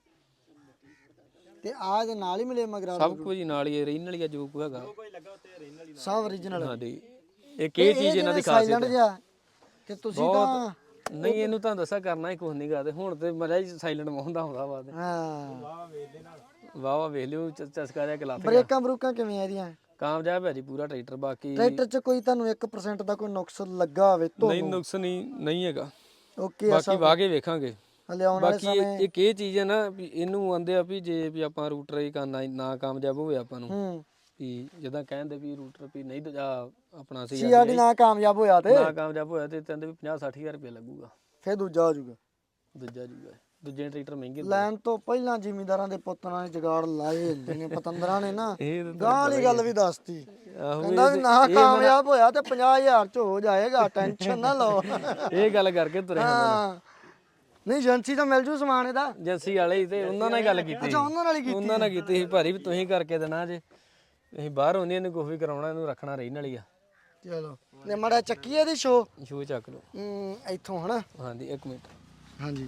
[SPEAKER 1] ਤੇ ਆਹ ਦੇ ਨਾਲ ਹੀ ਮਿਲੇ ਮਗਰਾ
[SPEAKER 2] ਸਭ ਕੁਝ ਨਾਲ ਹੀ ਰਹਿਣ ਵਾਲੀ ਆ ਜੋ ਕੁ ਹੈਗਾ
[SPEAKER 1] ਸਭ origignal
[SPEAKER 2] ਹਾਂਜੀ। ਇੱਕ ਇਹ ਚੀਜ਼ ਇਹਨਾਂ ਦੀ ਖਾਸੀਅਤ
[SPEAKER 1] ਸਾਇਲੈਂਟ ਜਿਹਾ ਕਿ ਤੁਸੀਂ ਤਾਂ
[SPEAKER 2] ਨਹੀਂ, ਇਹਨੂੰ ਤਾਂ ਦੱਸਿਆ ਕਰਨਾ ਹੀ ਕੁਝ ਨਹੀਂ ਕਰਦੇ। ਹੁਣ ਤੇ ਮਜ਼ਾ ਹੀ ਸਾਇਲੈਂਟ ਮੋਹਦਾ ਹੁੰਦਾ ਵਾ।
[SPEAKER 1] ਹਾਂ
[SPEAKER 2] ਵਾਹ ਵਾਹ ਵੇਖ ਲਿਓ ਚ- ਚਸਕਾ ਜਿਹਾ ਗਲਾਸ
[SPEAKER 1] ਬ੍ਰੇਕਾਂ ਬਰੂਕਾਂ ਕਿਵੇਂ ਆ ਇਹਦੀਆਂ?
[SPEAKER 2] ਕਾਮਯਾਬ ਹੈ ਜੀ ਪੂਰਾ ਟਰੈਕਟਰ। ਬਾਕੀ
[SPEAKER 1] ਟਰੈਕਟਰ 'ਚ ਕੋਈ ਤੁਹਾਨੂੰ ਇੱਕ ਪਰਸੈਂਟ ਦਾ ਕੋਈ ਨੁਕਸ ਲੱਗਾ ਹੋਵੇ ਤੋਂ
[SPEAKER 2] ਨਹੀਂ, ਨੁਕਸ ਨਹੀਂ ਨਹੀਂ ਹੈਗਾ।
[SPEAKER 1] ਓਕੇ ਆ
[SPEAKER 2] ਬਾਕੀ ਵਾਹ ਕੇ ਵੇਖਾਂਗੇ।
[SPEAKER 1] ਹਲੇ ਆਉਣ ਵਾਲੇ
[SPEAKER 2] ਬਾਕੀ ਇਹ- ਇੱਕ ਇਹ ਚੀਜ਼ ਹੈ ਨਾ ਵੀ ਇਹਨੂੰ ਆਂਦੇ ਆ ਵੀ ਜੇ ਵੀ ਆਪਾਂ ਰੂਟਰ ਹੀ ਕਰਨਾ ਨਾ ਕਾਮਯਾਬ ਹੋਵੇ ਆਪਾਂ ਨੂੰ,
[SPEAKER 1] ਹੂੰ
[SPEAKER 2] ਵੀ ਜਿੱਦਾਂ ਕਹਿੰਦੇ ਵੀ ਰੂਟਰ ਵੀ ਨਹੀਂ ਦੂਜਾ ਆਪਣਾ ਸੀ
[SPEAKER 1] ਸੀਆਰਡੀ ਨਾ ਕਾਮਯਾਬ ਹੋਇਆ ਤੇ
[SPEAKER 2] ਨਾ ਕਾਮਯਾਬ ਹੋਇਆ ਤੇ ਕਹਿੰਦੇ ਵੀ ਪੰਜਾਹ ਸੱਠ ਹਜ਼ਾਰ ਰੁਪਏ ਲੱਗੂਗਾ।
[SPEAKER 1] ਫਿਰ ਦੂਜਾ ਹੋ ਜਾਊਗਾ।
[SPEAKER 2] ਦੂਜਾ ਜੂਗਾ ਦੂਜੇ ਟਰੈਕਟਰ ਮਹਿੰਗੇ
[SPEAKER 1] ਲੈਣ ਤੋਂ ਪਹਿਲਾਂ ਜ਼ਿਮੀਂਦਾਰਾਂ ਦੇ ਪੁੱਤਾਂ ਨੇ ਜਗਾੜ ਲਾਏ ਹੁੰਦੇ ਨੇ ਪਤੰਦਰਾਂ ਨੇ ਨਾ।
[SPEAKER 2] ਇਹ ਤਾਂ
[SPEAKER 1] ਗਾਂ ਵਾਲੀ ਗੱਲ ਵੀ ਦੱਸਤੀ,
[SPEAKER 2] ਆਹੋ
[SPEAKER 1] ਕਹਿੰਦਾ ਵੀ ਨਾ ਕਾਮਯਾਬ ਹੋਇਆ ਤੇ ਪੰਜਾਹ ਹਜ਼ਾਰ ਚ ਹੋ ਜਾਏਗਾ, ਟੈਨਸ਼ਨ ਨਾ ਲਓ।
[SPEAKER 2] ਇਹ ਗੱਲ ਕਰਕੇ ਤੁਰੇ
[SPEAKER 1] ਹਾਂ ਨਹੀਂ ਏਜੰਸੀ ਤਾਂ ਮਿਲ ਜੂ ਸਮਾਨ ਇਹਦਾ।
[SPEAKER 2] ਏਜੰਸੀ ਵਾਲੇ ਹੀ ਤੇ ਉਹਨਾਂ ਨਾਲ ਗੱਲ ਕੀਤੀ।
[SPEAKER 1] ਅੱਛਾ ਉਹਨਾਂ ਨਾਲ ਹੀ ਕੀਤੀ।
[SPEAKER 2] ਉਹਨਾਂ ਨਾਲ ਕੀਤੀ ਸੀ ਭਾਰੀ ਵੀ ਤੁਸੀਂ ਕਰਕੇ ਦੇਣਾ ਜੇ ਅਸੀਂ ਬਾਹਰ ਹੁੰਦੇ ਇਹਨੂੰ ਕੁਝ ਵੀ ਕਰਾਉਣਾ, ਇਹਨੂੰ ਰੱਖਣਾ ਰਹਿਣ ਵਾਲੀ ਆ।
[SPEAKER 1] ਚਲੋ ਨੇ ਮੜਾ ਚੱਕੀ ਇਹਦੀ ਸ਼ੋ
[SPEAKER 2] ਸ਼ੂ ਚੱਕ ਲਓ।
[SPEAKER 1] ਹੂੰ ਇੱਥੋਂ ਹਨਾ।
[SPEAKER 2] ਹਾਂਜੀ ਇੱਕ ਮਿੰਟ।
[SPEAKER 1] ਹਾਂਜੀ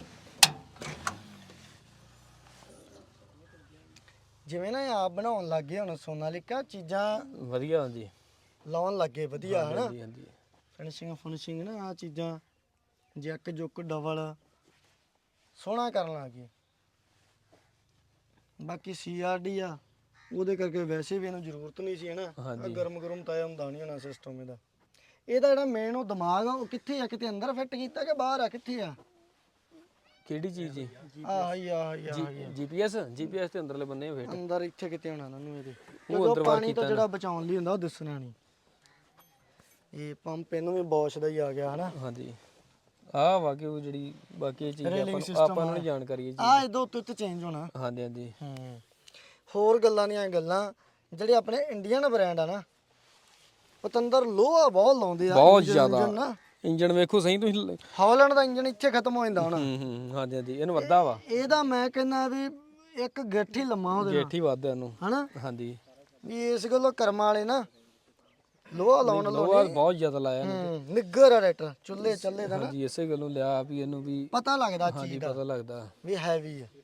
[SPEAKER 1] ਜਿਵੇਂ ਨਾ ਇਹ ਆਪ ਬਣਾਉਣ ਲੱਗੇ ਹੁਣ ਸੋਨਾਲੀਕਾ ਚੀਜ਼ਾਂ
[SPEAKER 2] ਵਧੀਆ ਹੁੰਦੀ।
[SPEAKER 1] ਲਾਉਣ ਲੱਗੇ ਵਧੀਆ ਹਨਾ।
[SPEAKER 2] ਹਾਂਜੀ ਹਾਂਜੀ
[SPEAKER 1] ਫਿਨਿਸ਼ਿੰਗ ਫਿਨਿਸ਼ਿੰਗ ਨਾ ਆ ਚੀਜ਼ਾਂ ਜੱਕ ਜੁੱਕ ਡਬਲ ਸੋਹਣਾ ਕਰਨ ਲੱਗ ਗਏ। ਬਾਕੀ ਸੀਆਰਡੀ ਆ ਉਹਦੇ ਕਰਕੇ ਵੈਸੇ ਵੀ ਇਹਨੂੰ ਜ਼ਰੂਰਤ ਨਹੀਂ ਸੀ ਹਨਾ।
[SPEAKER 2] ਹਾਂਜੀ।
[SPEAKER 1] ਗਰਮ ਗਰਮ ਤਾਂ ਇਹ ਹੁੰਦਾ ਨਹੀਂ ਹੋਣਾ ਸਿਸਟਮ ਇਹਦਾ। ਇਹਦਾ ਜਿਹੜਾ ਮੇਨ ਉਹ ਦਿਮਾਗ ਆ ਉਹ ਕਿੱਥੇ ਆ? ਕਿਤੇ ਅੰਦਰ ਫਿੱਟ ਕੀਤਾ ਕਿ ਬਾਹਰ ਆ? ਕਿੱਥੇ ਆ?
[SPEAKER 2] ਕਿਹੜੀ ਚੀਜ਼ ਜੀ?
[SPEAKER 1] ਆਹ ਹੀ ਆਹ ਹੀ ਆਹ ਹੀ।
[SPEAKER 2] ਜੀਪੀਐਸ ਜੀਪੀਐਸ ਤੇ ਅੰਦਰਲੇ ਬੰਨੇ ਫੇਟ
[SPEAKER 1] ਅੰਦਰ ਇੱਥੇ ਕਿਤੇ ਹੋਣਾ ਉਹਨੂੰ ਇਹਦੇ।
[SPEAKER 2] ਉਹ ਅੰਦਰ
[SPEAKER 1] ਪਾਣੀ ਤੋਂ ਜਿਹੜਾ ਬਚਾਉਣ ਲਈ ਹੁੰਦਾ ਉਹ ਦਿਸਣਾ ਨਹੀਂ। ਇਹ ਪੰਪ ਇਹਨੂੰ ਵੀ ਬੋਸ਼ ਦਾ ਹੀ ਆ ਗਿਆ ਹਨਾ।
[SPEAKER 2] ਹਾਂਜੀ ਆਹ ਵਾ ਕਿ ਉਹ ਜਿਹੜੀ ਬਾਕੀ ਇਹ ਚੀਜ਼ ਆਪਾਂ ਨੂੰ ਆਪਾਂ ਨੂੰ ਨਹੀਂ ਜਾਣਕਾਰੀ ਹੈ ਜੀ।
[SPEAKER 1] ਆ ਇਹਦੇ ਉੱਤੇ ਉੱਤੇ ਚੇਂਜ ਹੋਣਾ।
[SPEAKER 2] ਹਾਂਜੀ ਹਾਂਜੀ
[SPEAKER 1] ਹੂੰ ਹੋਰ ਗੱਲਾਂ ਨਹੀਂ ਆ ਗੱਲਾਂ ਜਿਹੜੇ ਆਪਣੇ ਇੰਡੀਅਨ ਬ੍ਰਾਂਡ ਆ ਨਾ ਪਤੰਦਰ ਲੋਹਾ ਬਹੁਤ ਲਾਉਂਦੇ ਆ।
[SPEAKER 2] ਬਹੁਤ
[SPEAKER 1] engine
[SPEAKER 2] ਜ਼ਿਆਦਾ
[SPEAKER 1] ਉਂਜਨ ਨਾ
[SPEAKER 2] ਇੰਜਣ ਵੇਖੋ ਸਹੀ ਤੁਸੀਂ।
[SPEAKER 1] ਹਾਲੈਂਡ ਦਾ ਇੰਜਨ ਇੱਥੇ ਖਤਮ ਹੋ ਜਾਂਦਾ ਹੁਣ।
[SPEAKER 2] ਹੂੰ ਹੂੰ ਹਾਂਜੀ ਹਾਂਜੀ ਇਹਨੂੰ ਵੱਧਾ ਵਾ।
[SPEAKER 1] ਇਹਦਾ ਮੈਂ ਕਹਿੰਦਾ ਵੀ ਇੱਕ ਗਿੱਠ ਹੀ ਲੰਮਾ ਉਹਦੇ ਨਾਲ
[SPEAKER 2] ਗੇਠੀ ਵੱਧਦਾ ਇਹਨੂੰ।
[SPEAKER 1] ਹਨਾ
[SPEAKER 2] ਹਾਂਜੀ
[SPEAKER 1] ਵੀ ਇਸ ਗੱਲੋਂ ਕਰਮਾਂ ਵਾਲੇ ਨਾ ਲੋਹਾ ਲਾਉਣ
[SPEAKER 2] ਲੋਹਾ ਬਹੁਤ ਜ਼ਿਆਦਾ ਲਾਇਆ ਇਹਨੇ।
[SPEAKER 1] ਹੂੰ ਨਿੱਗਰ ਆ ਟਰੈਕਟਰ ਚੁੱਲ੍ਹੇ ਚੱਲੇ ਦਾ ਨਾ
[SPEAKER 2] ਹਾਂਜੀ ਇਸੇ ਗੱਲੋਂ ਲਿਆ ਵੀ ਇਹਨੂੰ ਵੀ
[SPEAKER 1] ਪਤਾ ਲੱਗਦਾ
[SPEAKER 2] ਹਾਂਜੀ
[SPEAKER 1] ਚੀਜ਼ ਦਾ
[SPEAKER 2] ਪਤਾ ਲੱਗਦਾ
[SPEAKER 1] ਵੀ ਹੈਵੀ ਹੈ।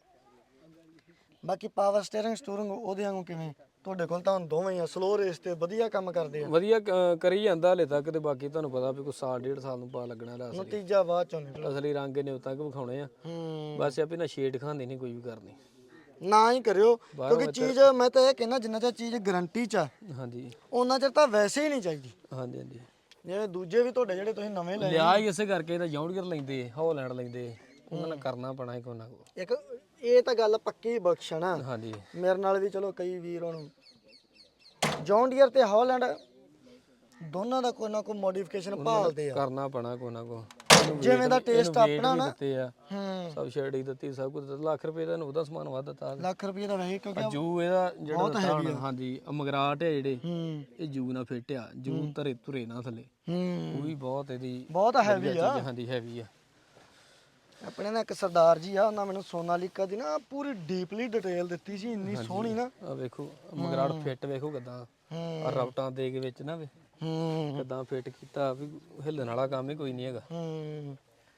[SPEAKER 1] ਬਾਕੀ ਪਾਵਰ ਸਟੀਅਰਿੰਗ ਸਟੂਰਿੰਗ ਉਹਦੇ ਵਾਂਗੂ ਕਿਵੇਂ? ਤੁਹਾਡੇ ਕੋਲ ਤਾਂ ਹੁਣ ਦੋਵੇਂ ਹੀ ਆ ਸਲੋ ਰੇਸ ਤੇ ਵਧੀਆ ਕੰਮ ਕਰਦੇ ਆ।
[SPEAKER 2] ਵਧੀਆ ਕ- ਕਰੀ ਜਾਂਦਾ ਹਲੇ ਤੱਕ ਤੇ ਬਾਕੀ ਤੁਹਾਨੂੰ ਪਤਾ ਵੀ ਕੋਈ ਸਾਲ ਡੇਢ ਸਾਲ ਨੂੰ ਪਾ ਲੱਗਣਾ ਇਹਦਾ ਅਸਲੀ
[SPEAKER 1] ਨਤੀਜਾ ਬਾਅਦ ਚੋਂ ਨਿਕਲਦਾ।
[SPEAKER 2] ਅਸਲੀ ਰੰਗ ਇਹਨੇ ਉਦੋਂ ਤੱਕ ਵਿਖਾਉਣੇ ਆ।
[SPEAKER 1] ਹੂੰ
[SPEAKER 2] ਬਸ ਇਹ ਵੀ ਨਾ ਸ਼ੇਡ ਖਾਂਦੀ ਨਹੀਂ ਕੋਈ ਵੀ ਕਰਨੀ।
[SPEAKER 1] ਨਾ ਹੀ ਕਰਿਓ ਕਿਉਂਕਿ ਚੀਜ਼ ਮੈਂ ਤਾਂ ਇਹ ਕਹਿੰਦਾ ਜਿੰਨਾ ਚਿਰ ਚੀਜ਼ ਗਾਰੰਟੀ ਚ ਆ
[SPEAKER 2] ਹਾਂਜੀ
[SPEAKER 1] ਉਹਨਾਂ ਚਿਰ ਤਾਂ ਵੈਸੇ ਹੀ ਨਹੀਂ ਚਾਹੀਦੀ।
[SPEAKER 2] ਹਾਂਜੀ ਹਾਂਜੀ
[SPEAKER 1] ਜਿਵੇਂ ਦੂਜੇ ਵੀ ਤੁਹਾਡੇ ਜਿਹੜੇ ਤੁਸੀਂ ਨਵੇਂ ਲਏ
[SPEAKER 2] ਲਿਆ ਹੀ ਇਸੇ ਕਰਕੇ ਇਹਦਾ ਜੌਂਡੀਅਰ ਲੈਂਦੇ ਹੌਲੈਂਡ ਲੈਂਦੇ ਉਹਨਾਂ ਨਾਲ ਕਰਨਾ ਪੈਣਾ ਹੈ ਕੋਈ ਨਾ ਕੋਈ।
[SPEAKER 1] ਇੱਕ ਇਹ ਤਾਂ ਗੱਲ ਪੱਕੀ ਬਖਸ਼ਣਾ
[SPEAKER 2] ਹਾਂਜੀ
[SPEAKER 1] ਮੇਰੇ ਨਾਲ ਵੀ ਚਲੋ ਕਈ ਵੀਰ ਹੁਣ ਜੌਨ ਡੀਅਰ ਤੇ ਹਾਲੈਂਡ ਦੋਨਾਂ ਦਾ ਕੋਈ ਨਾ ਕੋਈ ਮੋਡੀਫਿਕੇਸ਼ਨ ਭਾਲਦੇ ਆ।
[SPEAKER 2] ਕਰਨਾ ਪੈਣਾ ਕੋਈ ਨਾ ਕੋਈ।
[SPEAKER 1] ਜਿਵੇਂ ਦਾ ਟੇਸਟ ਆਪਣਾ ਨਾ
[SPEAKER 2] ਦਿੱਤੇ ਆ
[SPEAKER 1] ਹੂੰ
[SPEAKER 2] ਸਭ ਸ਼ੇਡਿੰਗ ਦਿੱਤੀ ਸਭ ਕੁਝ ਦਿੱਤਾ। ਲੱਖ ਰੁਪਏ ਦਾ ਇਹਨੂੰ ਉਹਦਾ ਸਮਾਨ ਵੱਧ ਦਿੱਤਾ।
[SPEAKER 1] ਲੱਖ ਰੁਪਏ ਦਾ ਵੈਸੇ ਕਿਉਂਕਿ
[SPEAKER 2] ਜੂ ਇਹਦਾ ਜਿਹੜਾ ਦਿੱਤਾ ਹੁਣ ਹਾਂਜੀ ਆਹ ਮਗਰਾਟ ਹੈ ਜਿਹੜੇ
[SPEAKER 1] ਹੂੰ
[SPEAKER 2] ਇਹ ਜੂ ਨਾਲ ਫਿੱਟ ਆ। ਜੂ ਧਰੇ ਧੁਰੇ ਨਾ ਥੱਲੇ
[SPEAKER 1] ਹੂੰ
[SPEAKER 2] ਉਹ ਵੀ ਬਹੁਤ ਇਹਦੀ
[SPEAKER 1] ਬਹੁਤ ਹੈਵੀ ਆ।
[SPEAKER 2] ਹਾਂਜੀ ਹੈਵੀ ਆ।
[SPEAKER 1] ਆਪਣੇ ਨਾਲ ਇੱਕ ਸਰਦਾਰ ਜੀ ਆ ਉਹਨਾਂ ਮੈਨੂੰ ਸੋਨਾਲੀਕਾ ਦੀ ਨਾ ਪੂਰੀ ਡੀਪਲੀ ਡਿਟੇਲ ਦਿੱਤੀ ਸੀ ਇੰਨੀ ਸੋਹਣੀ ਨਾ।
[SPEAKER 2] ਆ ਵੇਖੋ ਮਗਰਾਟ ਫਿੱਟ ਵੇਖੋ ਕਿਦਾਂ
[SPEAKER 1] ਹੂੰ
[SPEAKER 2] ਰਬਟਾਂ ਦੇ ਕੇ ਵਿੱਚ ਨਾ ਵੇ
[SPEAKER 1] ਹੂੰ
[SPEAKER 2] ਕਿਦਾਂ ਫਿੱਟ ਕੀਤਾ ਵੀ ਹਿੱਲਣ ਵਾਲਾ ਕੰਮ ਹੀ ਕੋਈ ਨਹੀਂ ਹੈਗਾ।
[SPEAKER 1] ਹੂੰ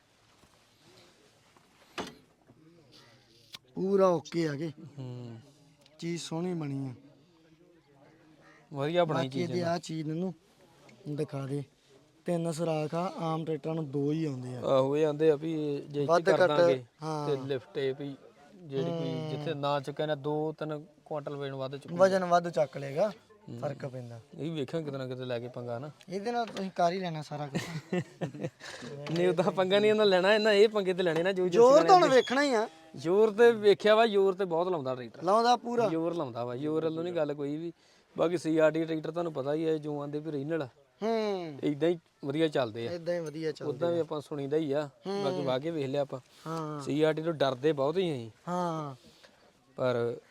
[SPEAKER 1] ਪੂਰਾ ਓਕੇ ਆ ਗਏ
[SPEAKER 2] ਹੂੰ
[SPEAKER 1] ਚੀਜ਼ ਸੋਹਣੀ ਬਣੀ ਆ।
[SPEAKER 2] ਵਧੀਆ ਬਣਾਈ
[SPEAKER 1] ਬਾਕੀ
[SPEAKER 2] ਚੀਜ਼
[SPEAKER 1] ਇਹਦੇ ਆ ਚੀਜ਼ ਨੂੰ ਦਿਖਾ ਦੇ ਤਿੰਨ ਸਰਾਖ ਆ ਆਮ ਟਰੈਕਟਰਾਂ ਨੂੰ ਦੋ ਹੀ ਆਉਂਦੇ ਆ।
[SPEAKER 2] ਆਹੋ ਇਹ ਆਂਦੇ ਆ ਵੀ ਜੇ
[SPEAKER 1] ਵੱਧ
[SPEAKER 2] ਇੱਥੇ ਕਰ
[SPEAKER 1] ਘੱਟ,
[SPEAKER 2] ਦਾਂਗੇ
[SPEAKER 1] ਹਾਂ।
[SPEAKER 2] ਤੇ ਲਿਫਟ ਇਹ ਵੀ ਜਿਹੜੀ ਕੋਈ ਜਿੱਥੇ ਨਾ ਚੁੱਕਿਆ ਨਾ ਦੋ ਤਿੰਨ ਕੁਆਂਟਲ ਵੇਣ ਵੱਧ ਚੁੱਕ
[SPEAKER 1] ਵਜਨ ਵੱਧ ਚੱਕ ਲੇਗਾ ਫਰਕ ਪੈਂਦਾ।
[SPEAKER 2] ਇਹ ਵੀ ਵੇਖਾਂ ਕਿਤੇ ਨਾ ਕਿਤੇ ਲੈ ਕੇ ਪੰਗਾ ਨਾ।
[SPEAKER 1] ਇਹਦੇ ਨਾਲ ਤੁਸੀਂ ਕਰ ਹੀ ਲੈਣਾ ਸਾਰਾ ਕੁਝ।
[SPEAKER 2] ਨਹੀਂ ਉਹਦਾ ਪੰਗਾ ਨਹੀਂ ਇਹਨਾਂ ਲੈਣਾ ਇਹਨਾਂ ਇਹ ਪੰਗੇ ਤੇ ਲੈਣੇ ਨਾ ਜੋ
[SPEAKER 1] ਜ਼ੋਰ ਤਾਂ ਹੁਣ ਵੇਖਣਾ ਹੀ ਆ।
[SPEAKER 2] ਜ਼ੋਰ ਤੇ ਵੇਖਿਆ ਵਾ ਜ਼ੋਰ ਤੇ ਬਹੁਤ ਲਾਉਂਦਾ ਟਰੈਕਟਰ।
[SPEAKER 1] ਲਾਉਂਦਾ ਪੂਰਾ
[SPEAKER 2] ਜ਼ੋਰ ਲਾਉਂਦਾ ਵਾ ਜ਼ੋਰ ਵੱਲੋਂ ਨਹੀਂ ਗੱਲ ਕੋਈ ਵੀ। ਬਾਕੀ ਸੀਆਰਡੀ ਟਰੈਕਟਰ ਤੁਹਾਨੂੰ ਪਤਾ ਹੀ ਹੈ ਜੋ ਆਂਦੇ ਵੀ ਰੀਨਲ
[SPEAKER 1] ਹੂੰ
[SPEAKER 2] ਇਦਾਂ ਹੀ ਵਧੀਆ ਚੱਲਦੇ ਆ।
[SPEAKER 1] ਇਦਾਂ ਹੀ ਵਧੀਆ ਚੱਲ।
[SPEAKER 2] ਉਦਾਂ ਵੀ ਆਪਾਂ ਸੁਣੀਦਾ ਹੀ ਆ ਬਾਕੀ ਵਾਗੇ ਵੇਖ ਲਿਆ ਆਪਾਂ।
[SPEAKER 1] ਹਾਂ
[SPEAKER 2] ਸੀਆਰਡੀ ਤੋਂ ਡਰਦੇ ਬਹੁਤ ਹੀ ਅਸੀਂ
[SPEAKER 1] ਹਾਂ
[SPEAKER 2] ਪਰ